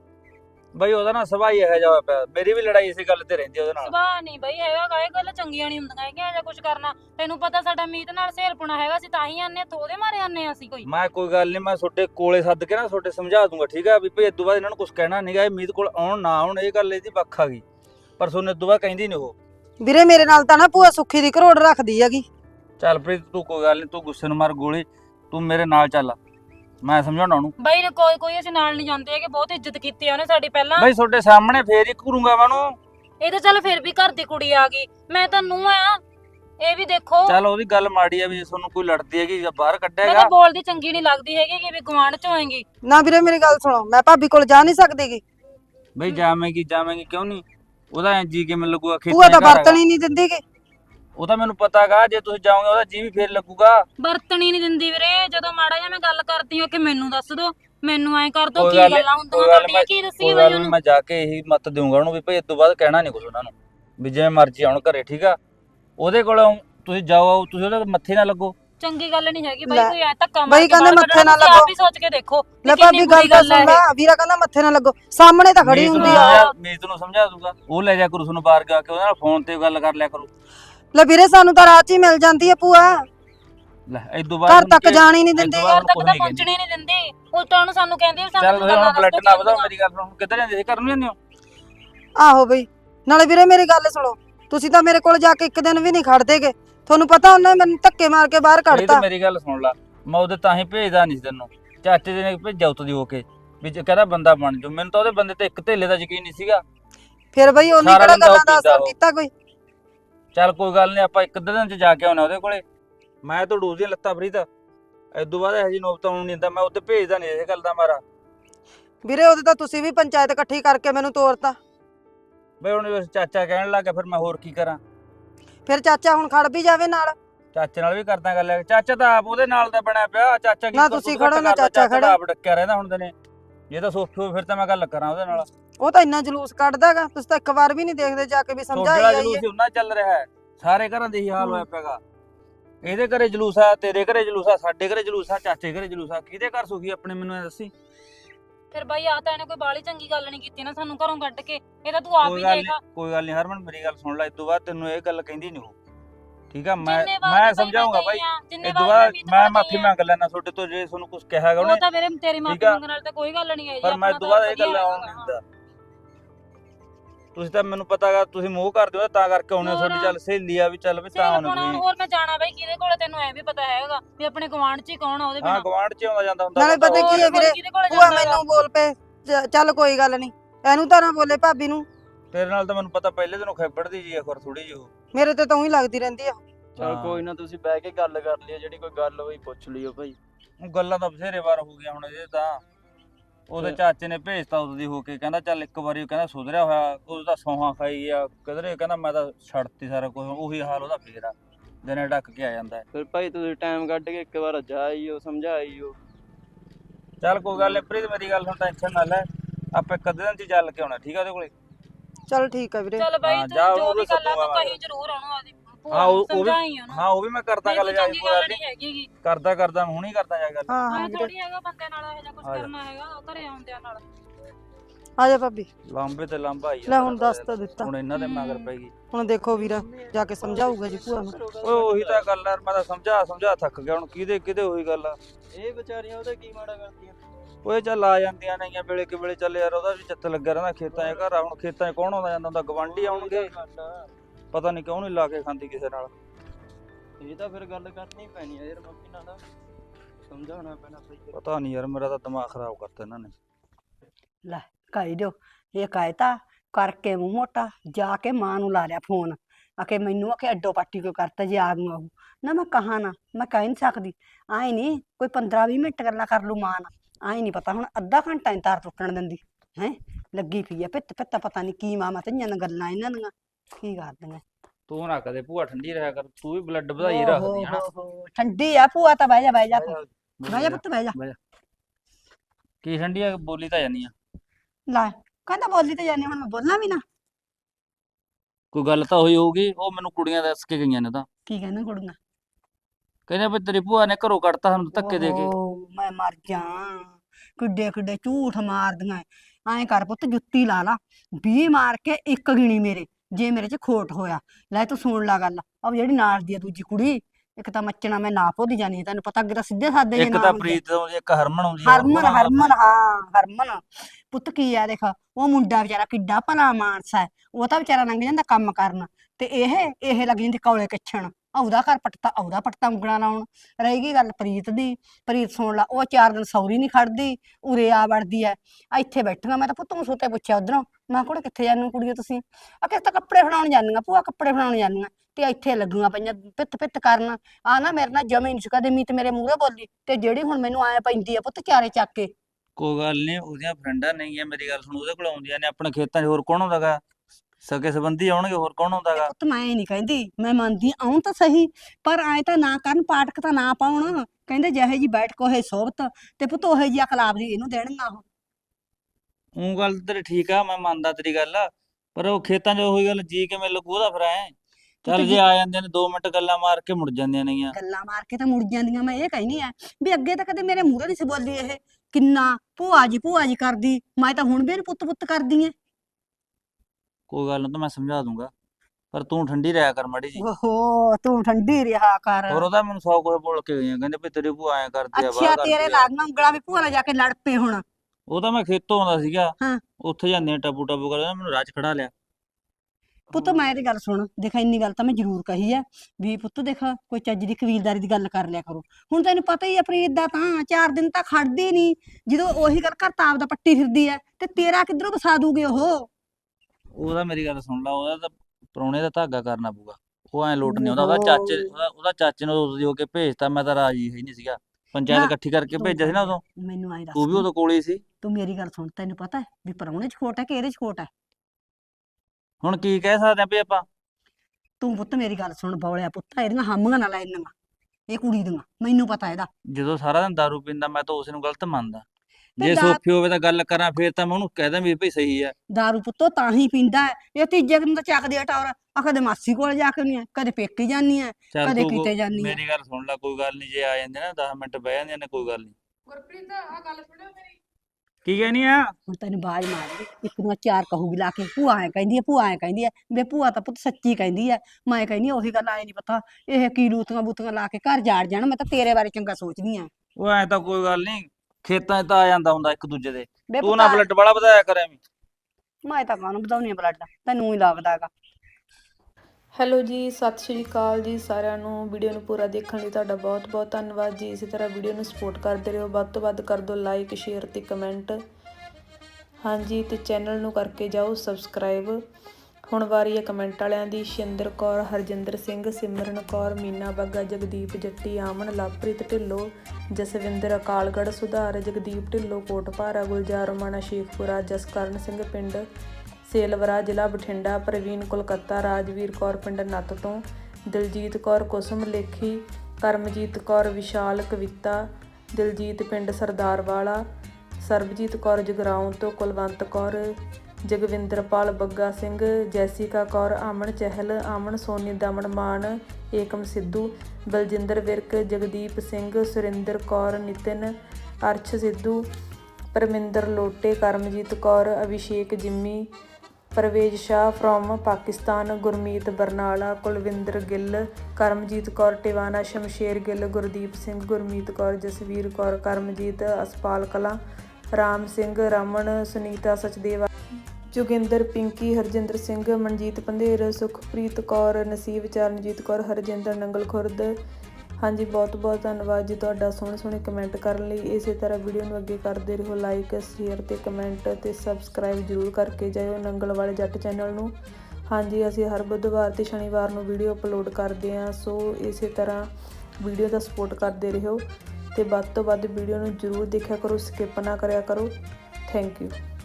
C: ਬਈ ਉਹਦਾ ਨਾ ਸੁਭਾਅ ਹੀ ਇਹੋ ਜਿਹਾ ਹੋਇਆ ਪਿਆ। ਮੇਰੀ ਵੀ ਲੜਾਈ ਇਸੇ ਗੱਲ ਤੇ ਰਹਿੰਦੀ ਉਹਦੇ ਨਾਲ।
G: ਸੁਭਾਅ ਨਹੀਂ ਬਈ ਹੈਗਾ ਗਾ, ਇਹ ਗੱਲ ਚੰਗੀਆਂ ਨਹੀਂ ਹੁੰਦੀਆਂ ਹੈਗੀਆਂ ਜਾਂ ਕੁਝ ਕਰਨਾ। ਤੈਨੂੰ ਪਤਾ ਸਾਡਾ ਮੀਤ ਨਾਲ ਸੇਰਪੁਣਾ ਹੈਗਾ ਸੀ, ਤਾਂ ਹੀ ਆਨੇ ਥੋੜੇ ਮਾਰੇ ਆਨੇ ਅਸੀਂ ਕੋਈ।
C: ਮੈਂ ਕੋਈ ਗੱਲ ਨਹੀਂ, ਮੈਂ ਤੁਹਾਡੇ ਕੋਲੇ ਸੱਦ ਕੇ ਨਾ ਤੁਹਾਡੇ ਸਮਝਾ ਦੂੰਗਾ, ਠੀਕ ਆ? ਵੀ ਭਈ ਇਦੋਂ ਬਾਅਦ ਇਹਨਾਂ ਨੂੰ ਕੁਝ ਕਹਿਣਾ ਨਹੀਂਗਾ। ਇਹ ਮੀਤ ਕੋਲ ਆਉਣ ਨਾ ਆਉਣ, ਇਹ ਗੱਲ ਇਹਦੀ ਵੱਖ ਆ ਗਈ। ਪਰ ਤੁਹਾਨੂੰ ਇਦੋਂ ਬਾਅਦ ਕਹਿੰਦੀ ਨਹੀਂ ਉਹ।
H: ਵੀਰੇ ਮੇਰੇ ਨਾਲ ਤਾਂ ਨਾ ਭੂਆ ਸੁੱਖੀ ਦੀ ਕਰੋੜ ਰੱਖਦੀ ਹੈਗੀ।
C: ਚੱਲ ਪ੍ਰੀਤ ਤੂੰ ਕੋਈ ਗੱਲ ਨਹੀਂ, ਤੂੰ ਗੁੱਸੇ ਨੂੰ ਮਾਰ ਗੋਲੀ, ਤੂੰ ਮੇਰੇ ਨਾਲ ਚੱਲ, ਮੈਂ ਸਮਝਾਉਣਾ ਉਹਨੂੰ।
G: ਬਈ ਕੋਈ ਕੋਈ ਅਸੀਂ ਨਾਲ ਨਹੀਂ ਜਾਂਦੇ ਹੈਗੇ, ਬਹੁਤ ਇੱਜ਼ਤ ਕੀਤੀ ਆ ਉਹਨੇ ਸਾਡੀ ਪਹਿਲਾਂ।
C: ਬਈ ਤੁਹਾਡੇ ਸਾਹਮਣੇ ਫੇਰ ਹੀ ਘੂਰੂੰਗਾ ਮੈਂ ਉਹਨੂੰ।
G: ਇਹ ਤਾਂ ਚੱਲ ਫਿਰ ਵੀ ਘਰ ਦੀ ਕੁੜੀ ਆ ਗਈ, ਮੈਂ ਤਾਂ ਨੂੰਹ ਆ, ਇਹ ਵੀ ਦੇਖੋ।
C: ਚੱਲ ਉਹਦੀ ਗੱਲ ਮਾੜੀ ਆ ਵੀ ਜੇ ਤੁਹਾਨੂੰ ਕੋਈ ਲੜਦੀ ਹੈਗੀ ਜਾਂ ਬਾਹਰ
G: ਮੈਂ
C: ਕੱਢੇਗਾ।
G: ਤਾਂ ਬੋਲਦੀ ਚੰਗੀ ਨਹੀਂ ਲੱਗਦੀ ਹੈਗੀ ਕਿ ਵੀ ਗਵਾਂਢ ਚ ਹੋਏਗੀ।
H: ਨਾ ਵੀਰੇ ਮੇਰੀ ਗੱਲ ਸੁਣੋ, ਮੈਂ ਭਾਬੀ ਕੋਲ ਜਾ ਨਹੀਂ ਸਕਦੀਗੀ।
C: ਬਈ ਜਾਵੇਂਗੀ ਜਾਵੇਂਗੀ ਕਿਉਂ ਨਹੀਂ? ਉਹਦਾ ਐਂ ਜੀ ਕਿਵੇਂ ਲੱਗੂਗਾ?
H: ਭੂਆ ਤਾਂ
C: ਖੇਤਾਂ 'ਚ ਘਰ
H: ਵਰਤਣ ਹੀ ਨਹੀਂ ਦਿੰਦੀਗੀ।
C: ਉਹ ਤਾਂ ਮੈਨੂੰ ਪਤਾਗਾ, ਜੇ ਤੁਸੀਂ ਜਾਓਗੇ ਉਹਦਾ ਜੀ ਵੀ ਫੇਰ ਲੱਗੂਗਾ।
G: ਵਰਤਣੀ ਨਹੀਂ ਦਿੰਦੀ ਵੀਰੇ। ਜਦੋਂ ਮਾੜਾ ਜਿਹਾ ਮੈਂ ਗੱਲ ਕਰਦੀ ਹਾਂ ਕਿ ਮੈਨੂੰ ਦੱਸ ਦੋ, ਮੈਨੂੰ ਐਂ ਕਰ ਦੋ,
C: ਕੋਈ
G: ਕੀ
C: ਗੱਲ ਨੀ,
G: ਗੱਲਾਂ ਹੁੰਦੀਆਂ
C: ਕੋਈ ਗੱਲ
G: ਤੁਹਾਡੀਆਂ,
C: ਨੀ,
G: ਕੀ ਦੱਸੀ
C: ਕੋਈ
G: ਬਈ
C: ਗੱਲ ਨੀ,
G: ਉਹਨੂੰ।
C: ਮੈਂ ਜਾ ਕੇ ਇਹੀ ਮਤ ਦੇਵਾਂਗਾ ਉਹਨੂੰ ਵੀ ਭਈ ਇਸ ਤੋਂ ਬਾਅਦ ਕਹਿਣਾ ਨਹੀਂ ਕੁਝ ਉਹਨਾਂ ਨੂੰ, ਵੀ ਜਿਵੇਂ ਮਰਜ਼ੀ ਆਉਣ ਘਰੇ, ਠੀਕ ਆ? ਉਹਦੇ ਕੋਲੋਂ ਤੁਸੀਂ ਜਾਓ, ਤੁਸੀਂ ਉਹਦੇ ਮੱਥੇ ਨਾ ਲੱਗੋ।
G: ਚੰਗੀ ਗੱਲ ਨਹੀਂ ਹੈਗੀ ਬਈ,
H: ਲੈ,
G: ਕੋਈ ਐ ਧੱਕਾ ਮਾਰ
H: ਬਈ
G: ਕੇ
H: ਕਹਿੰਦੇ
G: ਬਾਹਰ
H: ਮੱਥੇ ਨਾ
G: ਕੱਢਣਾ, ਤੁਸੀਂ
H: ਲੱਗੋ।
G: ਆਪ ਹੀ ਸੋਚ ਕੇ ਦੇਖੋ ਵੀ
H: ਲੈ
G: ਕਿੰਨੀ
H: ਭਾਬੀ ਗੱਲ
G: ਬੁਰੀ
H: ਤਾਂ
G: ਗੱਲ ਹੈ
H: ਸੁਣ ਲਾ, ਵੀਰਾ ਕਹਿੰਦਾ ਮੱਥੇ ਨਾ ਲੱਗੋ, ਸਾਹਮਣੇ ਤਾਂ ਖੜੀ
C: ਮੀਤ ਨੂੰ
H: ਹੁੰਦੀ ਆ।
C: ਸਮਝਾ- ਮੀਤ ਨੂੰ ਸਮਝਾ ਦੂਗਾ, ਉਹ ਲੈ ਜਾ ਕਰੂ ਤੁਹਾਨੂੰ ਬਾਹਰ ਗਾ ਕੇ, ਉਹਦੇ ਨਾਲ ਫੋਨ ਤੇ ਗੱਲ ਕਰ ਲਿਆ ਕਰੂ।
H: ਲੈ ਵੀਰੇ ਸਾਨੂੰ ਤਾਂ ਰਾਤ 'ਚ ਹੀ ਮਿਲ ਜਾਂਦੀ ਹੈ ਭੂਆ,
C: ਲੈ ਇਦੋਂ ਬਾਅਦ
H: ਘਰ ਤੱਕ
C: ਹੁਣ
H: ਜਾਣ ਹੀ ਨਹੀਂ
C: ਇਦੋਂ
H: ਦਿੰਦੀ।
C: ਬਾਅਦ
G: ਘਰ ਤੱਕ
C: ਕੁਛ
G: ਤਾਂ
C: ਨੀ ਕਹਿੰਦੀ।
G: ਪਹੁੰਚਣੀ ਨਹੀਂ ਦਿੰਦੀ, ਉਲਟਾ ਉਹਨੂੰ ਸਾਨੂੰ ਕਹਿੰਦੀ ਵੀ
C: ਚੱਲ
G: ਸਾਨੂੰ
C: ਤੁਸੀਂ
G: ਗੱਲਾਂ
C: ਹੁਣ
G: ਦੱਸੋ
C: ਬਲੱਡ
G: ਕੀ
C: ਨਾ ਵਧਾਓ,
G: ਹੁੰਦੀਆਂ।
C: ਮੇਰੀ ਗੱਲ ਸੁਣੋ, ਕਿੱਧਰ ਜਾਂਦੇ ਸੀ? ਘਰ ਨੂੰ ਜਾਂਦੇ ਹੋ?
H: ਆਹੋ ਬਈ, ਨਾਲੇ ਵੀਰੇ ਮੇਰੀ ਗੱਲ ਸੁਣੋ, ਤੁਸੀਂ ਤਾਂ ਮੇਰੇ ਕੋਲ ਜਾ ਕੇ ਇੱਕ ਦਿਨ ਵੀ ਨਹੀਂ ਖੜਦੇਗੇ। ਤੁਹਾਨੂੰ ਪਤਾ ਉਹਨੇ ਮੈਨੂੰ ਧੱਕੇ ਮਾਰ ਕੇ ਬਾਹਰ
C: ਇਹ ਤਾਂ
H: ਕੱਢਤਾ।
C: ਮੇਰੀ ਗੱਲ ਸੁਣ ਲਾ, ਮੈਂ ਉਹਦੇ ਤਾਂ ਹੀ ਭੇਜਦਾ ਨਹੀਂ ਸੀ ਤੈਨੂੰ, ਚਾਚੇ ਦੇ ਨੇ ਭੇਜਿਆ ਉੱਤੋਂ ਦੀ ਹੋ ਕੇ, ਵੀ ਜੇ ਕਹਿੰਦਾ ਬੰਦਾ ਬਣ ਜੂ। ਮੈਨੂੰ ਤਾਂ ਉਹਦੇ ਬੰਦੇ ਤੇ ਇੱਕ ਧੇਲੇ ਦਾ ਯਕੀਨ ਨਹੀਂ ਸੀਗਾ।
H: ਫਿਰ ਬਈ ਉਹਨੇ
C: ਸਾਰਾ
H: ਕਿਹੜਾ
C: ਦਿਨ ਤਾਂ ਉਹ
H: ਗੱਲਾਂ ਦਾ
C: ਪੀਂਦਾ
H: ਅਸਰ
C: ਉਹ।
H: ਕੀਤਾ ਕੋਈ?
C: ਚੱਲ ਕੋਈ ਗੱਲ ਨਹੀਂ, ਆਪਾਂ ਇੱਕ ਅੱਧੇ ਦਿਨ ਚ ਜਾ ਕੇ ਆਉਣਾ ਉਹਦੇ ਕੋਲੇ। ਮੈਂ ਤਾਂ ਡੂਸ ਦੀਆਂ ਲੱਤਾਂ ਫਰੀ ਤਾਂ ਇਦੋਂ ਬਾਅਦ ਇਹੋ ਜਿਹੀ ਨੌਬਤ ਆਉਣ ਨਹੀਂ ਦਿੰਦਾ। ਮੈਂ ਉੱਤੇ ਭੇਜਦਾ ਨਹੀਂ ਇਹ ਗੱਲ ਦਾ ਮਾਰਾ।
H: ਵੀਰੇ ਉਹਦੇ ਤਾਂ ਤੁਸੀਂ ਵੀ ਪੰਚਾਇਤ ਇਕੱਠੀ ਕਰਕੇ ਮੈਨੂੰ ਤੋਰਤਾ।
C: ਬਈ ਹੁਣ ਉਸ ਚਾਚਾ ਕਹਿਣ ਲੱਗਾ, ਫਿਰ ਮੈਂ ਹੋਰ ਕੀ ਕਰਾਂ।
H: ਫਿਰ ਚਾਚਾ ਹੁਣ ਖੜ ਵੀ ਜਾਵੇ ਨਾਲ।
C: ਚਾਚੇ ਨਾਲ ਵੀ ਕਰਦਾ ਗੱਲ। ਚਾਚਾ ਤਾਂ ਆਪ ਉਹਦੇ ਨਾਲ ਦਾ ਬਣਿਆ ਪਿਆ। ਚਾਚਾ ਕੀ
H: ਨਾ
C: ਕਰਤੂਤ
H: ਤੁਸੀਂ
C: ਘੱਟ
H: ਖੜੋ, ਨਾ
C: ਕਰਦਾ,
H: ਚਾਚਾ
C: ਤਾਂ
H: ਖੜੇ।
C: ਆਪ ਡੱਕਿਆ ਰਹਿੰਦਾ ਹੁਣ ਦਿਨੇ। ਜੇ ਤਾਂ ਸੋਫੇ ਹੋਏ ਫਿਰ ਤਾਂ ਮੈਂ ਗੱਲ ਕਰਾਂ ਉਹਦੇ ਨਾਲ।
H: ਉਹ ਤਾਂ ਇੰਨਾ ਜਲੂਸ ਕੱਢਦਾਗਾ, ਤੁਸੀਂ ਤਾਂ ਇੱਕ ਵਾਰ ਵੀ ਨਹੀਂ ਦੇਖਦੇ ਜਾ ਕੇ ਵੀ ਸਮਝਾਈ
C: ਸੋਡਲਾ
H: ਆਈਏ।
C: ਜਲੂਸ ਉਹਨਾਂ ਚੱਲ ਰਿਹਾ ਹੈ। ਸਾਰੇ ਘਰਾਂ ਦੇ ਹੀ ਹਾਲ ਹੋਇਆ ਪਿਆਗਾ। ਇਹਦੇ ਘਰੇ ਜਲੂਸ ਆ, ਤੇਰੇ ਘਰੇ ਜਲੂਸ ਆ, ਸਾਡੇ ਘਰੇ ਜਲੂਸ ਆ, ਚਾਚੇ ਘਰੇ ਜਲੂਸ ਆ। ਕਿਹਦੇ ਘਰ ਸੁਖੀ ਆਪਣੇ, ਮੈਨੂੰ ਇਹ ਦੱਸੀ।
G: ਫਿਰ ਬਾਈ ਆ ਤਾਂ ਇਹਨੇ ਕੋਈ ਬਾਲੀ ਚੰਗੀ ਗੱਲ ਨਹੀਂ ਕੀਤੀ ਨਾ ਸਾਨੂੰ ਘਰੋਂ ਕੱਢ ਕੇ। ਇਹ ਤਾਂ ਤੂੰ ਆਪ
C: ਕੋਈ
G: ਹੀ
C: ਗੱਲ
G: ਦੇਖ।
C: ਨਹੀਂ, ਕੋਈ ਗੱਲ ਨਹੀਂ ਹਰਮਨ, ਮੇਰੀ ਗੱਲ ਸੁਣ ਲੈ। ਇਸ ਤੋਂ ਬਾਅਦ ਤੈਨੂੰ ਇਹ ਗੱਲ ਕਹਿੰਦੀ ਨਹੀਂ ਉਹ, ਠੀਕ ਆ? ਮੈਂ
G: ਜਿੰਨੇ ਵਾਰ
C: ਮੈਂ
G: ਬਾਈ
C: ਸਮਝਾਉਂਗਾ
G: ਗਈ
C: ਬਾਈ।
G: ਆ, ਜਿੰਨੇ
C: ਇਸ ਤੋਂ
G: ਵਾਰ
C: ਬਾਅਦ
G: ਵੀ
C: ਮੈਂ
G: ਤੈਨੂੰ
C: ਮਾਫੀ
G: ਗਈ ਆ।
C: ਮੰਗ ਲੈਣਾ ਤੁਹਾਡੇ ਤੋਂ ਜੇ ਤੁਹਾਨੂੰ ਕੁਝ ਕਿਹਾ ਹੈਗਾ
G: ਉਹ
C: ਉਹਨੇ।
G: ਤਾਂ ਮੇਰੇ ਤੇਰੀ ਮਾਫੀ
C: ਠੀਕ ਆ।
G: ਮੰਗਣ ਨਾਲ ਤਾਂ ਕੋਈ ਗੱਲ ਨਹੀਂ ਹੈ ਜੀ।
C: ਪਰ ਮੈਂ
G: ਆਪਣਾ
C: ਇਸ ਤੋਂ ਬਾਅਦ
G: ਤਾਂ
C: ਇਹ ਗੱਲ
G: ਵਧੀਆ
C: ਆਉਣ ਨਹੀਂ ਦਿੰਦਾ। ਤੁਸੀਂ ਤਾਂ ਮੈਨੂੰ ਪਤਾਗਾ ਤੁਸੀਂ ਮੋਹ ਕਰਦੇ ਹੋ ਤਾਂ ਕਰਕੇ ਆਉਣੇ ਹੋ।
G: ਹੋਰ।
C: ਤੁਹਾਡੀ ਚੱਲ ਸਹੇਲੀ ਆ ਵੀ ਚੱਲ ਵੀ ਤਾਂ
G: ਸਿਰ
C: ਆਉਣੇ
G: ਪਾਉਣਾ
C: ਤੁਸੀਂ।
G: ਹੋਰ ਮੈਂ ਜਾਣਾ ਬਾਈ ਕਿਹਦੇ ਕੋਲੇ, ਤੈਨੂੰ ਐ ਵੀ ਪਤਾ ਹੈਗਾ ਵੀ ਆਪਣੇ ਗਵਾਂਢ ਚ ਹੀ ਕੌਣ ਆ ਉਹਦੇ
C: ਹਾਂ
G: ਬਿਨਾਂ।
C: ਗਵਾਂਢ ਚ ਆਉਂਦਾ ਜਾਂਦਾ ਹੁੰਦਾ
H: ਨਾਲੇ
C: ਬੰਦਾ
H: ਪਤਾ
C: ਹੋਰ।
H: ਕੀ ਹੈ ਵੀਰੇ,
G: ਕਿਹਦੇ ਕੋਲੇ
H: ਭੂਆ
G: ਜਾਂਦਾ ਹੈਗਾ?
H: ਮੈਨੂੰ ਬੋਲ ਪਏ, ਚ- ਚੱਲ ਕੋਈ ਗੱਲ ਨਹੀਂ, ਇਹਨੂੰ ਤਾਂ ਨਾ ਬੋਲੇ ਭਾਬੀ ਨੂੰ।
C: ਤੇਰੇ ਨਾਲ ਤਾਂ ਮੈਨੂੰ ਪਤਾ ਪਹਿਲੇ ਦਿਨੋਂ ਖੇਬੜਦੀ ਜੀ ਆ ਖੁਰ ਥੋੜੀ ਜਿਹੀ ਉਹ।
H: ਮੇਰੇ ਤੇ ਤਾਂ ਉਹੀ ਲੱਗਦੀ ਰਹਿੰਦੀ ਆ।
B: ਚਲ
C: ਹਾਂ।
B: ਕੋਈ ਨਾ, ਤੁਸੀਂ ਬਹਿ ਕੇ ਗੱਲ ਕਰ ਲਿਓ, ਜਿਹੜੀ ਕੋਈ ਗੱਲ ਹੋਈ ਪੁੱਛ ਲਿਓ ਭਾਈ।
C: ਉਹ ਗੱਲਾਂ ਤਾਂ ਬਥੇਰੇ ਵਾਰ ਹੋ ਗਈਆਂ ਹੁਣ ਇਹਦੇ ਤਾਂ। ਉਹਦੇ ਚਾਚੇ ਨੇ ਭੇਜਤਾ ਉਦੋਂ ਦੀ ਹੋ ਕੇ, ਕਹਿੰਦਾ ਚੱਲ ਇੱਕ ਵਾਰੀ, ਉਹ ਕਹਿੰਦਾ ਸੁਧਰਿਆ ਹੋਇਆ। ਉਹ ਤਾਂ ਸੌਹਾਂ ਖਾਈ ਆ ਕਿਧਰੇ, ਕਹਿੰਦਾ ਮੈਂ ਤਾਂ ਛੱਡਤੀ ਸਾਰਾ ਕੁਝ। ਉਹੀ ਹਾਲ ਉਹਦਾ ਫੇਰ ਆ, ਦਿਨੇ ਢੱਕ ਕੇ ਆ ਜਾਂਦਾ ਹੈ।
B: ਫਿਰ ਭਾਈ ਤੁਸੀਂ ਟਾਈਮ ਕੱਢ ਕੇ ਇੱਕ ਵਾਰ ਜਾਈਓ, ਸਮਝਾਈਓ।
C: ਚੱਲ ਕੋਈ ਗੱਲ ਨਹੀਂ ਪ੍ਰੀਤ, ਮੇਰੀ ਗੱਲ ਸੁਣ, ਟੈਨਸ਼ਨ ਨਾ ਲੈ। ਆਪਾਂ ਇੱਕ ਅੱਧੇ ਦਿਨ ਚ ਚੱਲ ਕੇ ਆਉਣਾ, ਠੀਕ ਆ ਉਹਦੇ ਕੋਲੇ।
H: ਚੱਲ ਠੀਕ ਆ ਵੀਰੇ।
G: ਚੱਲ ਬਾਈ
C: ਹਾਂ,
G: ਤੂੰ
C: ਜਾ
G: ਜੋ
C: ਉਹਨੂੰ
G: ਵੀ ਗੱਲ ਆ ਤੂੰ
C: ਸੱਦੂਗਾ
G: ਕਹੀ ਜ਼ਰੂਰ ਉਹਨੂੰ ਆਦੀ
C: ਹਾਂ, ਉਹ- ਉਹ ਵੀ-
G: ਸਮਝਾਈ ਉਹਨੂੰ।
C: ਹਾਂ ਉਹ ਵੀ ਮੈਂ ਕਰਦਾ
G: ਇਹ
C: ਗੱਲ
G: ਕੋਈ
C: ਜਾ
G: ਚੰਗੀ ਗੱਲ ਨਹੀਂ ਹੈਗੀ ਗੀ।
C: ਕਰਦਾ ਕਰਦਾ ਹੁਣ ਹੀ ਕਰਦਾ ਜਾ ਗੱਲ।
H: ਹਾਂ ਹਾਂ
G: ਐ
H: ਵੀਰੇ,
G: ਥੋੜੀ ਹੈਗਾ ਬੰਦੇ ਨਾਲ ਇਹੋ ਜਿਹਾ ਕੁਝ
C: ਆ ਜਾ।
G: ਕਰਨਾ ਹੈਗਾ ਘਰੇ ਆਉਂਦਿਆਂ ਨਾਲ।
H: ਆ ਜਾ ਭਾਬੀ।
C: ਲਾਂਬੇ ਤੇ ਲਾਂਬਾ ਆਈ
H: ਲੈ ਹੁਣ ਦੱਸ ਤਾਂ ਦਿੱਤਾ,
C: ਹੁਣ ਇਹਨਾਂ ਦੇ ਮਗਰ ਪੈ ਗਈ।
H: ਹੁਣ ਦੇਖੋ ਵੀਰਾ ਜਾ ਕੇ ਸਮਝਾਊਗਾ ਜੀ ਭੂਆ ਨੂੰ।
C: ਓਏ ਉਹੀ ਤਾਂ ਗੱਲ ਆ, ਮੈਂ ਤਾਂ ਸਮਝਾ ਸਮਝਾ ਥੱਕ ਗਿਆ। ਹੁਣ ਕਿਹਦੇ ਕਿਹਦੇ ਉਹੀ ਗੱਲ ਆ।
B: ਇਹ ਵਿਚਾਰੀਆਂ ਉਹਦਾ ਕੀ ਮਾੜਾ ਕਰਦੀਆਂ?
C: ਓਏ ਚੱਲ ਆ ਜਾਂਦੀਆਂ ਨੇਗੀਆਂ ਵੇਲੇ ਕਿ ਵੇਲੇ। ਚੱਲ ਯਾਰ ਉਹਦਾ ਵੀ ਚੱਤ ਲੱਗਿਆ ਰਹਿੰਦਾ ਖੇਤਾਂ 'ਚ। ਘਰ ਆ ਹੁਣ ਖੇਤਾਂ 'ਚ ਕੌਣ ਆਉਂਦਾ ਜਾਂਦਾ ਹੁੰਦਾ? ਗਵਾਂਢੀ ਆਉਣਗੇ। ਪਤਾ ਨਹੀਂ ਕਿਉਂ ਨਹੀਂ ਲਾ ਕੇ ਖਾਂਦੀ ਕਿਸੇ ਨਾਲ।
B: ਇਹ ਤਾਂ ਫਿਰ ਗੱਲ ਕਰਨੀ ਪੈਣੀ ਆ ਯਾਰ ਮੰਮੀ ਨਾਲ, ਸਮਝਾਉਣਾ ਪੈਣਾ ਭਾਈ।
C: ਪਤਾ ਨਹੀਂ ਯਾਰ, ਮੇਰਾ ਤਾਂ ਦਿਮਾਗ ਖਰਾਬ ਕਰਤਾ ਇਹਨਾਂ ਨੇ।
D: ਲੈ ਕਹਿ ਦਿਓ, ਇਹ ਕਹਿਤਾ ਕਰਕੇ ਮੂੰਹ ਮੋਟਾ ਜਾ ਕੇ ਮਾਂ ਨੂੰ ਲਾ ਲਿਆ ਫੋਨ। ਆਕੇ ਮੈਨੂੰ ਆਕੇ ਅੱਡੋ ਪਾਟੀ ਕਿਉਂ ਕਰਤਾ ਜੇ ਆ ਗਈਆਂ ਉਹ। ਨਾ ਮੈਂ ਕਹਾ ਨਾ, ਮੈਂ ਕਹਿ ਨਹੀਂ ਸਕਦੀ। ਆਏ ਨਹੀਂ ਕੋਈ ਪੰਦਰਾਂ ਵੀਹ ਮਿੰਟ ਗੱਲਾਂ ਕਰ ਲੂ ਮਾਂ ਨਾਲ। ਆਏ ਨਹੀਂ ਪਤਾ ਹੁਣ ਅੱਧਾ ਘੰਟਾ ਨਹੀਂ ਤਾਰ ਟੁੱਟਣ ਦਿੰਦੀ ਹੈ। ਲੱਗੀ ਪਈ ਆ ਪਿੱਤ ਪਿੱਤਾ, ਪਤਾ ਨਹੀਂ ਕੀ ਮਾਮਾ ਧੀਆਂ ਨਾਲ ਗੱਲਾਂ ਇਹਨਾਂ ਦੀਆਂ ਕੀ ਕਰਦੀਆਂ।
C: ਤੂੰ ਨਾ ਕਦੇ ਭੂਆ ਠੰਡੀ ਰਿਹਾ ਕਰ, ਤੂੰ ਵੀ ਬਲੱਡ ਵਧਾਈ ਰੱਖਦੀ ਆ ਨਾ।
D: ਓਹੋ, ਠੰਡੀ ਆ ਭੂਆ ਤਾਂ। ਬਹਿ ਜਾ ਬਹਿ ਜਾ ਤੂੰ, ਬਹਿ ਜਾ ਪੁੱਤ ਬਹਿ ਜਾ।
C: ਕੀ ਠੰਡੀ ਆ, ਬੋਲੀ ਤਾਂ ਜਾਨੀ ਆ।
D: ਲੈ ਕਹਿੰਦਾ ਬੋਲੀ ਤੇ ਜਾਨੀ, ਹੁਣ ਮੈਂ ਬੋਲਾਂ ਵੀ ਨਾ।
C: ਕੋਈ ਗੱਲ ਤਾਂ ਹੋਈ ਹੋਊਗੀ। ਉਹ ਮੈਨੂੰ ਕੁੜੀਆਂ ਦੱਸ ਕੇ ਗਈਆਂ ਨੇ ਤਾਂ।
D: ਕੀ ਕਹਿੰਦਾ ਕੁੜੀਆਂ?
C: ਕਹਿੰਦੇ ਵੀ ਤੇਰੀ ਭੂਆ ਨੇ ਘਰੋਂ ਕੱਢਤਾ ਸਾਨੂੰ ਧੱਕੇ ਦੇ ਕੇ।
D: ਓਹੋ, ਮੈਂ ਮਰ ਜਾ। ਕਿੱਡੇ ਕਿੱਡੇ ਝੂਠ ਮਾਰਦੀਆਂ। ਐਂ ਕਰ ਪੁੱਤ, ਜੁੱਤੀ ਲਾ ਲਾ, ਵੀਹ ਮਾਰ ਕੇ ਇੱਕ ਗਿਣੀ ਮੇਰੇ, ਜੇ ਮੇਰੇ ਚ ਖੋਟ ਹੋਇਆ। ਲੈ ਤੂੰ ਸੁਣ ਲਾ ਗੱਲ। ਉਹ ਜਿਹੜੀ ਨਾਲ ਦੀ ਆ ਦੂਜੀ ਕੁੜੀ, ਇੱਕ ਤਾਂ ਮੱਚਣਾ ਮੈਂ ਨਾ ਭੁੱਲ ਜਾਨੀ, ਤੈਨੂੰ ਪਤਾ ਅੱਗੇ ਤਾਂ ਸਿੱਧੇ ਸਾਦੇ ਜੇ
C: ਇੱਕ
D: ਨਾਮ
C: ਤਾਂ
D: ਹੁੰਦੇ।
C: ਪ੍ਰੀਤ ਆਉਂਦੀ, ਇੱਕ ਹਰਮਨ ਆਉਂਦੀ ਆ।
D: ਹਰਮਨ ਹਰਮਨ ਹਾਂ ਹਰਮਨ। ਪੁੱਤ ਕੀ ਆ ਦੇਖ, ਉਹ ਮੁੰਡਾ ਵਿਚਾਰਾ ਕਿੱਡਾ ਭਲਾ ਮਾਨਸ ਹੈ। ਉਹ ਤਾਂ ਵਿਚਾਰਾ ਲੰਘ ਜਾਂਦਾ ਕੰਮ ਕਰਨ, ਤੇ ਇਹ ਇਹ ਲੱਗ ਜਾਂਦੀ ਕੌਲੇ ਕੱਛਣ। ਉਹਦਾ ਘਰ ਪੱਟਤਾ, ਉਹਦਾ ਪੱਟਤਾ ਉਂਗਲਾਂ ਲਾਉਣ। ਰਹੀ ਗਈ ਗੱਲ ਪ੍ਰੀਤ ਦੀ, ਪ੍ਰੀਤ ਸੁਣ ਲਾ, ਉਹ ਚਾਰ ਦਿਨ ਸੌਰੀ ਨਹੀਂ ਖੜਦੀ, ਉਰੇ ਆ ਵੜਦੀ ਐ। ਇੱਥੇ ਬੈਠੀਆਂ ਮੈਂ ਤਾਂ ਪੁੱਤ ਨੂੰ ਸੁੱਤੇ ਪੁੱਛਿਆ ਉਧਰੋਂ, ਮੈਂ ਕੁੜੇ ਕਿੱਥੇ ਜਾਂਦੇ ਕੁੜੀਏ ਤੁਸੀਂ? ਆ ਕਿਸ ਤਾਂ ਕੱਪੜੇ ਫੜਾਉਣ ਜਾਂਦੀਆਂ ਭੂਆ, ਕੱਪੜੇ ਫੜਾਉਣ ਜਾਂਦੀਆਂ, ਤੇ ਇੱਥੇ ਲੱਗੀਆਂ ਪਈਆਂ ਪਿੱਤ ਪਿੱਤ ਕਰਨ। ਆ ਨਾ ਮੇਰੇ ਨਾਲ ਜਮੇ ਨਹੀਂ ਕਦੇ ਮੀਤ ਮੇਰੇ ਮੂਹਰੇ ਬੋਲੀ, ਤੇ ਜਿਹੜੀ ਹੁਣ ਮੈਨੂੰ ਆਏ ਪੈਂਦੀ ਆ ਪੁੱਤ ਚਾਰੇ ਚੱਕ ਕੇ।
C: ਕੋਈ ਗੱਲ ਨਹੀਂ, ਉਹਦੀਆਂ ਫਰੈਂਡਾਂ ਨਹੀਂ ਆ। ਮੇਰੀ ਗੱਲ ਸੁਣ, ਉਹਦੇ ਕੋਲ ਆਉਂਦੀਆਂ ਨੇ ਆਪਣੇ ਖੇਤਾਂ 'ਚ। ਹੋਰ ਕੌਣ ਆਉਂਦਾਗਾ? ਸਕੇ ਸੰਬੰਧੀ ਆਉਣਗੇ, ਹੋਰ ਕੌਣ ਆਉਂਦਾਗਾ?
D: ਪੁੱਤ ਮੈਂ ਨਹੀਂ ਕਹਿੰਦੀ, ਮੈਂ ਮੰਨਦੀ ਆਉਂ ਤਾਂ ਸਹੀ, ਪਰ ਐ ਤਾਂ ਨਾ ਕਰਨ, ਪਾਠਕ ਤਾਂ ਨਾ ਪਾਉਣ। ਕਹਿੰਦੇ ਜਿਹੇ ਜੀ ਬੈਠ ਕੋਹੇ ਸੋਬਤ, ਤੇ ਪੁੱਤ ਉਹੇ ਜੀ ਅਕਲਾਬ ਦੀ ਇਹਨੂੰ ਦੇਣਗਾ ਉਹ।
C: ਉਹ ਗੱਲ ਤੇਰੀ ਠੀਕ ਆ, ਮੈਂ ਮੰਨਦਾ ਤੇਰੀ ਗੱਲ। ਪਰ ਉਹ ਖੇਤਾਂ 'ਚ ਉਹੀ ਗੱਲ, ਜੀ ਕਿਵੇਂ ਲੱਗੂ ਉਹਦਾ ਫਿਰ ਐ? ਚੱਲ ਜੇ ਆ ਜਾਂਦੇ ਨੇ ਦੋ ਮਿੰਟ ਗੱਲਾਂ ਮਾਰ ਕੇ ਮੁੜ ਜਾਂਦੀਆਂ ਨੇਗੀਆਂ।
D: ਗੱਲਾਂ ਮਾਰ ਕੇ ਤਾਂ ਮੁੜ ਜਾਂਦੀਆਂ। ਮੈਂ ਇਹ ਕਹਿਨੀ ਆ ਵੀ ਅੱਗੇ ਤਾਂ ਕਦੇ ਮੇਰੇ ਮੂਹਰੇ ਨਹੀਂ ਸੀ ਬੋਲੀ ਇਹ, ਕਿੰਨਾ ਭੂਆ ਜੀ ਭੂਆ ਜੀ ਕਰਦੀ। ਮੈਂ ਤਾਂ ਹੁਣ ਵੀ ਇਹਨੂੰ ਪੁੱਤ ਪੁੱਤ ਕਰਦੀ ਐ।
C: ਕੋਈ ਗੱਲ ਨਹੀਂ, ਤਾਂ ਮੈਂ ਸਮਝਾ ਦੂੰਗਾ, ਪਰ ਤੂੰ ਠੰਡੀ ਰਿਹਾ ਕਰ ਮਾੜੀ ਜੀ।
D: ਓਹੋ ਤੂੰ ਠੰਡੀ ਰਿਹਾ ਕਰ।
C: ਹੋਰ ਉਹਦਾ ਮੈਨੂੰ ਸੌ ਕੁਝ ਬੋਲ ਕੇ ਗਈਆਂ, ਕਹਿੰਦੇ ਵੀ ਤੇਰੀ ਭੂਆ ਐਂ ਕਰਦੀ ਆ,
D: ਅੱਛਾ
C: ਬਾਹਰ
D: ਤੇਰੇ
C: ਕਰਦੀ ਆ।
D: ਲਾਗਾਂ ਉਂਗਲਾਂ ਵੀ ਭੂਆ ਨਾਲ ਜਾ ਕੇ ਲੜ ਪਏ ਹੁਣ।
C: ਉਹ ਤਾਂ ਮੈਂ ਖੇਤੋਂ ਆਉਂਦਾ ਸੀਗਾ,
D: ਹਾਂ।
C: ਉੱਥੇ ਜਾਂਦੇ ਟੱਬੂ ਟੱਬੂ ਕਰਦੇ, ਮੈਨੂੰ ਰਾਜ ਖੜਾ ਲਿਆ।
D: ਪੁੱਤ ਮੈਂ ਇਹਦੀ ਗੱਲ ਸੁਣ ਦੇਖ ਇੰਨੀ ਗੱਲ ਤਾਂ ਮੈਂ ਜ਼ਰੂਰ ਕਹੀ ਆ ਵੀ ਪੁੱਤ ਦੇਖ ਕੋਈ ਚੱਜ ਦੀ ਕਬੀਲਦਾਰੀ ਦੀ ਗੱਲ ਕਰ ਲਿਆ ਕਰੋ। ਹੁਣ ਤੈਨੂੰ ਪਤਾ ਹੀ ਆ ਪ੍ਰੀਤ ਦਾ ਤਾਂ ਚਾਰ ਦਿਨ ਤਾਂ ਖੜਦੀ ਨਹੀਂ, ਜਦੋਂ ਉਹੀ ਗੱਲ ਘਰ ਤਾਪ ਦਾ ਪੱਟੀ ਫਿਰਦੀ ਐ ਤੇ ਤੇਰਾ ਕਿੱਧਰੋਂ ਵਸਾ ਦੂਗੇ ਉਹ।
C: ਉਹਦਾ ਮੇਰੀ ਗੱਲ ਸੁਣ ਲਾ, ਉਹਦਾ ਤਾਂ ਪ੍ਰਾਹੁਣੇ ਦਾ ਧਾਗਾ ਕਰਨਾ ਪਊਗਾ। ਉਹ ਐ ਲੋਟ ਨਹੀਂ ਆਉਂਦਾ। ਉਹਦਾ ਚਾਚੇ ਉਹਦਾ ਉਹਦਾ ਚਾਚੇ ਨੂੰ ਉਦੋਂ ਦੀ ਹੋ ਕੇ ਭੇਜਤਾ, ਮੈਂ ਤਾਂ ਰਾਜੀ ਹੀ ਨਹੀਂ ਸੀਗਾ। ਪੰਚਾਇਤ
D: ਨਾ,
C: ਇਕੱਠੀ ਕਰਕੇ
D: ਤੂੰ
C: ਭੇਜਿਆ ਸੀ ਨਾ ਉਦੋਂ,
D: ਮੈਨੂੰ ਆਈ ਦੱਸ
C: ਤੂੰ ਵੀ ਉਦੋਂ ਕੋਲੇ ਹੀ ਸੀ।
D: ਤੂੰ ਮੇਰੀ ਗੱਲ ਸੁਣ, ਤੈਨੂੰ ਪਤਾ ਹੈ ਵੀ ਪ੍ਰਾਹੁਣੇ ਚ ਖੋਟ ਹੈ ਕਿ ਇਹਦੇ ਚ ਖੋਟ ਹੈ?
C: ਹੁਣ ਕੀ ਕਹਿ ਸਕਦੇ ਆ ਵੀ ਆਪਾਂ।
D: ਤੂੰ ਪੁੱਤ ਮੇਰੀ ਗੱਲ ਸੁਣ ਬੌਲਿਆ ਪੁੱਤ, ਇਹਦੀਆਂ ਹਾਮੀਆਂ ਨਾ ਲੈ ਇੰਨੀਆਂ, ਇਹ ਕੁੜੀ ਦੀਆਂ ਮੈਨੂੰ ਪਤਾ ਇਹਦਾ।
C: ਜਦੋਂ ਸਾਰਾ ਦਿਨ ਦਾਰੂ ਪੀਂਦਾ ਮੈਂ ਤਾਂ ਉਸ ਨੂੰ ਗਲਤ ਮੰਨਦਾ।
D: ਤੇ
C: ਜੇ
D: ਦਾ-
C: ਸੋਫੀ ਹੋਵੇ ਤਾਂ ਗੱਲ ਕਰਾਂ, ਫੇਰ ਤਾਂ ਮੈਂ ਉਹਨੂੰ ਕਹਿ ਦਾਂ ਵੀ ਭਈ ਸਹੀ ਹੈ।
D: ਦਾਰੂ ਪੁੱਤੋ ਤਾਂ ਹੀ ਪੀਂਦਾ ਹੈ, ਇਹ ਤੀਜੇ ਦਿਨ ਤਾਂ ਚੱਕਦੀ ਆ ਟੌਰ, ਆ ਕਦੇ ਮਾਸੀ ਕੋਲ ਜਾ ਕੇ ਨਹੀਂ ਹੈ, ਕਦੇ ਪੇਕੀ ਜਾਨੀ ਹੈ,
C: ਚੱਲ
D: ਕਦੇ
C: ਤੂੰ
D: ਕਿਤੇ ਜਾਨੀ ਹੈ।
C: ਮੇਰੀ ਗੱਲ ਸੁਣ ਲੈ, ਕੋਈ ਗੱਲ ਨਹੀਂ, ਜੇ ਆ ਜਾਂਦੇ ਨਾ ਦਸ ਮਿੰਟ ਬਹਿ ਜਾਂਦੇ ਨੇ, ਕੋਈ ਗੱਲ ਨਹੀਂ।
F: ਗੁਰਪ੍ਰੀਤ ਆ ਗੱਲ ਸੁਣਿਓ ਮੇਰੀ।
C: ਕੀ ਕਹਿਨੀ ਆ?
D: ਹੁਣ ਤੈਨੂੰ ਬਾਜ ਮਾਰਦੀ ਇੱਕ ਨੂੰ ਚਾਰ ਕਹੂਗੀ ਲਾ ਕੇ, ਭੂਆ ਐ ਕਹਿੰਦੀ ਹੈ, ਭੂਆ ਐ ਕਹਿੰਦੀ ਹੈ, ਵੇ ਭੂਆ ਤਾਂ ਪੁੱਤ ਸੱਚੀ ਕਹਿੰਦੀ ਹੈ। ਮੈਂ ਕਹਿੰਦੀ ਹਾਂ ਉਹੀ ਗੱਲ, ਆਏ ਨਹੀਂ ਪਤਾ ਇਹ ਕੀ ਲੂਤੀਆਂ ਬੂਤੀਆਂ ਲਾ ਕੇ ਘਰ ਜਾੜ ਜਾਣ। ਮੈਂ ਤਾਂ ਤੇਰੇ ਬਾਰੇ ਚੰਗਾ ਸੋਚਦੀ ਆ।
C: ਉਹ ਐ ਤਾਂ ਕੋਈ ਗੱਲ ਨਹੀਂ, ਖੇਤਾਂ 'ਚ ਤਾਂ ਆ ਜਾਂਦਾ ਹੁੰਦਾ ਇੱਕ ਦੂਜੇ ਦੇ।
D: ਵੇ
C: ਤੂੰ ਨਾ
D: ਪੁੱਤ,
C: ਬਲੱਡ ਵਾਲਾ ਵਧਾਇਆ ਕਰ ਐਵੇਂ।
D: ਮੈਂ ਤਾਂ ਕਾਹਨੂੰ ਵਧਾਉਣੀ ਆ ਬਲੱਡ, ਤੈਨੂੰ ਹੀ ਲੱਗਦਾ ਹੈਗਾ।
F: ਹੈਲੋ ਜੀ, ਸਤਿ ਸ਼੍ਰੀ ਅਕਾਲ ਜੀ ਸਾਰਿਆਂ ਨੂੰ। ਵੀਡੀਓ ਨੂੰ ਪੂਰਾ ਦੇਖਣ ਲਈ ਤੁਹਾਡਾ ਬਹੁਤ ਬਹੁਤ ਧੰਨਵਾਦ ਜੀ। ਇਸੇ ਤਰ੍ਹਾਂ ਵੀਡੀਓ ਨੂੰ ਸਪੋਰਟ ਕਰਦੇ ਰਹੋ, ਵੱਧ ਤੋਂ ਵੱਧ ਕਰ ਦਿਓ ਲਾਈਕ, ਸ਼ੇਅਰ ਤੇ ਕਮੈਂਟ। ਹਾਂਜੀ, ਤੇ ਚੈਨਲ ਨੂੰ ਕਰਕੇ ਜਾਓ ਸਬਸਕ੍ਰਾਈਬ। ਹੁਣ ਵਾਰੀ ਹੈ ਕਮੈਂਟ ਵਾਲਿਆਂ ਦੀ। ਸ਼ਿੰਦਰ ਕੌਰ, ਹਰਜਿੰਦਰ ਸਿੰਘ, ਸਿਮਰਨ ਕੌਰ, ਮੀਨਾ ਬੱਗਾ, ਜਗਦੀਪ ਜੱਟੀ, ਆਮਨ, ਲਵਪ੍ਰੀਤ ਢਿੱਲੋਂ, ਜਸਵਿੰਦਰ, ਅਕਾਲਗੜ੍ਹ, ਸੁਧਾਰ, ਜਗਦੀਪ ਢਿੱਲੋਂ, ਕੋਟਭਾਰਾ, ਗੁਲਜ਼ਾਰ ਰੋਮਾਣਾ, ਸ਼ੇਖਪੁਰਾ, ਜਸਕਰਨ ਸਿੰਘ, ਪਿੰਡ ਸੇਲਵਰਾ, ਜ਼ਿਲ੍ਹਾ ਬਠਿੰਡਾ, ਪ੍ਰਵੀਨ ਕੋਲਕਾਤਾ, ਰਾਜਵੀਰ ਕੌਰ, ਪਿੰਡ ਨੱਤ ਤੋਂ, ਦਿਲਜੀਤ ਕੌਰ, ਕੁਸਮ ਲੇਖੀ, ਕਰਮਜੀਤ ਕੌਰ, ਵਿਸ਼ਾਲ, ਕਵਿਤਾ, ਦਿਲਜੀਤ, ਪਿੰਡ ਸਰਦਾਰਵਾਲਾ, ਸਰਬਜੀਤ ਕੌਰ, ਜਗਰਾਉਂ ਤੋਂ, Kulwant Kaur, Jagwinderpal, Bagga Singh, Jessica Kaur, Aman Chahal, Aman Soni, Daman Mann, Ekam Sidhu, Baljinder Virk, Jagdeep Singh, Surinder Kaur, Nitin, Arsh Sidhu, Parminder Lote, Karamjit Kaur, Abhishek Jimmy, Parvez Shah from Pakistan, Gurmeet Barnala, Kulwinder Gill, Karamjit Kaur Tiwana, Shamsher Gill, Gurdeep Singh, Gurmeet Kaur, Jasvir Kaur, Karamjit, Aspal Kalan, Ram Singh, Raman, Sunita Sachdeva, Joginder, Pinky, Harjinder Singh, Manjeet Pandher, Sukhpreet Kaur, ਨਸੀਬ, ਚਰਨਜੀਤ ਕੌਰ, ਹਰਜਿੰਦਰ, ਨੰਗਲ ਖੁਰਦ। ਹਾਂਜੀ, ਬਹੁਤ ਬਹੁਤ ਧੰਨਵਾਦ ਜੀ ਤੁਹਾਡਾ ਸੋਹਣੇ ਸੋਹਣੇ ਕਮੈਂਟ ਕਰਨ ਲਈ। ਇਸੇ ਤਰ੍ਹਾਂ ਵੀਡੀਓ ਨੂੰ ਅੱਗੇ ਕਰਦੇ ਰਹੋ ਲਾਈਕ, ਸ਼ੇਅਰ ਤੇ ਕਮੈਂਟ ਤੇ ਸਬਸਕ੍ਰਾਈਬ ਜ਼ਰੂਰ ਕਰਕੇ ਜਾਇਓ ਨੰਗਲ ਵਾਲੇ ਜੱਟ ਚੈਨਲ ਨੂੰ। ਹਾਂਜੀ, ਅਸੀਂ ਹਰ ਬੁੱਧਵਾਰ ਤੇ ਸ਼ਨੀਵਾਰ ਨੂੰ ਵੀਡੀਓ ਅਪਲੋਡ ਕਰਦੇ ਹਾਂ, ਸੋ ਇਸੇ ਤਰ੍ਹਾਂ ਵੀਡੀਓ ਦਾ ਸਪੋਰਟ ਕਰਦੇ ਰਹੋ ਤੇ ਵੱਧ ਤੋਂ ਵੱਧ ਵੀਡੀਓ ਨੂੰ ਜ਼ਰੂਰ ਦੇਖਿਆ ਕਰੋ, ਸਕਿਪ ਨਾ ਕਰਿਆ ਕਰੋ। Thank you.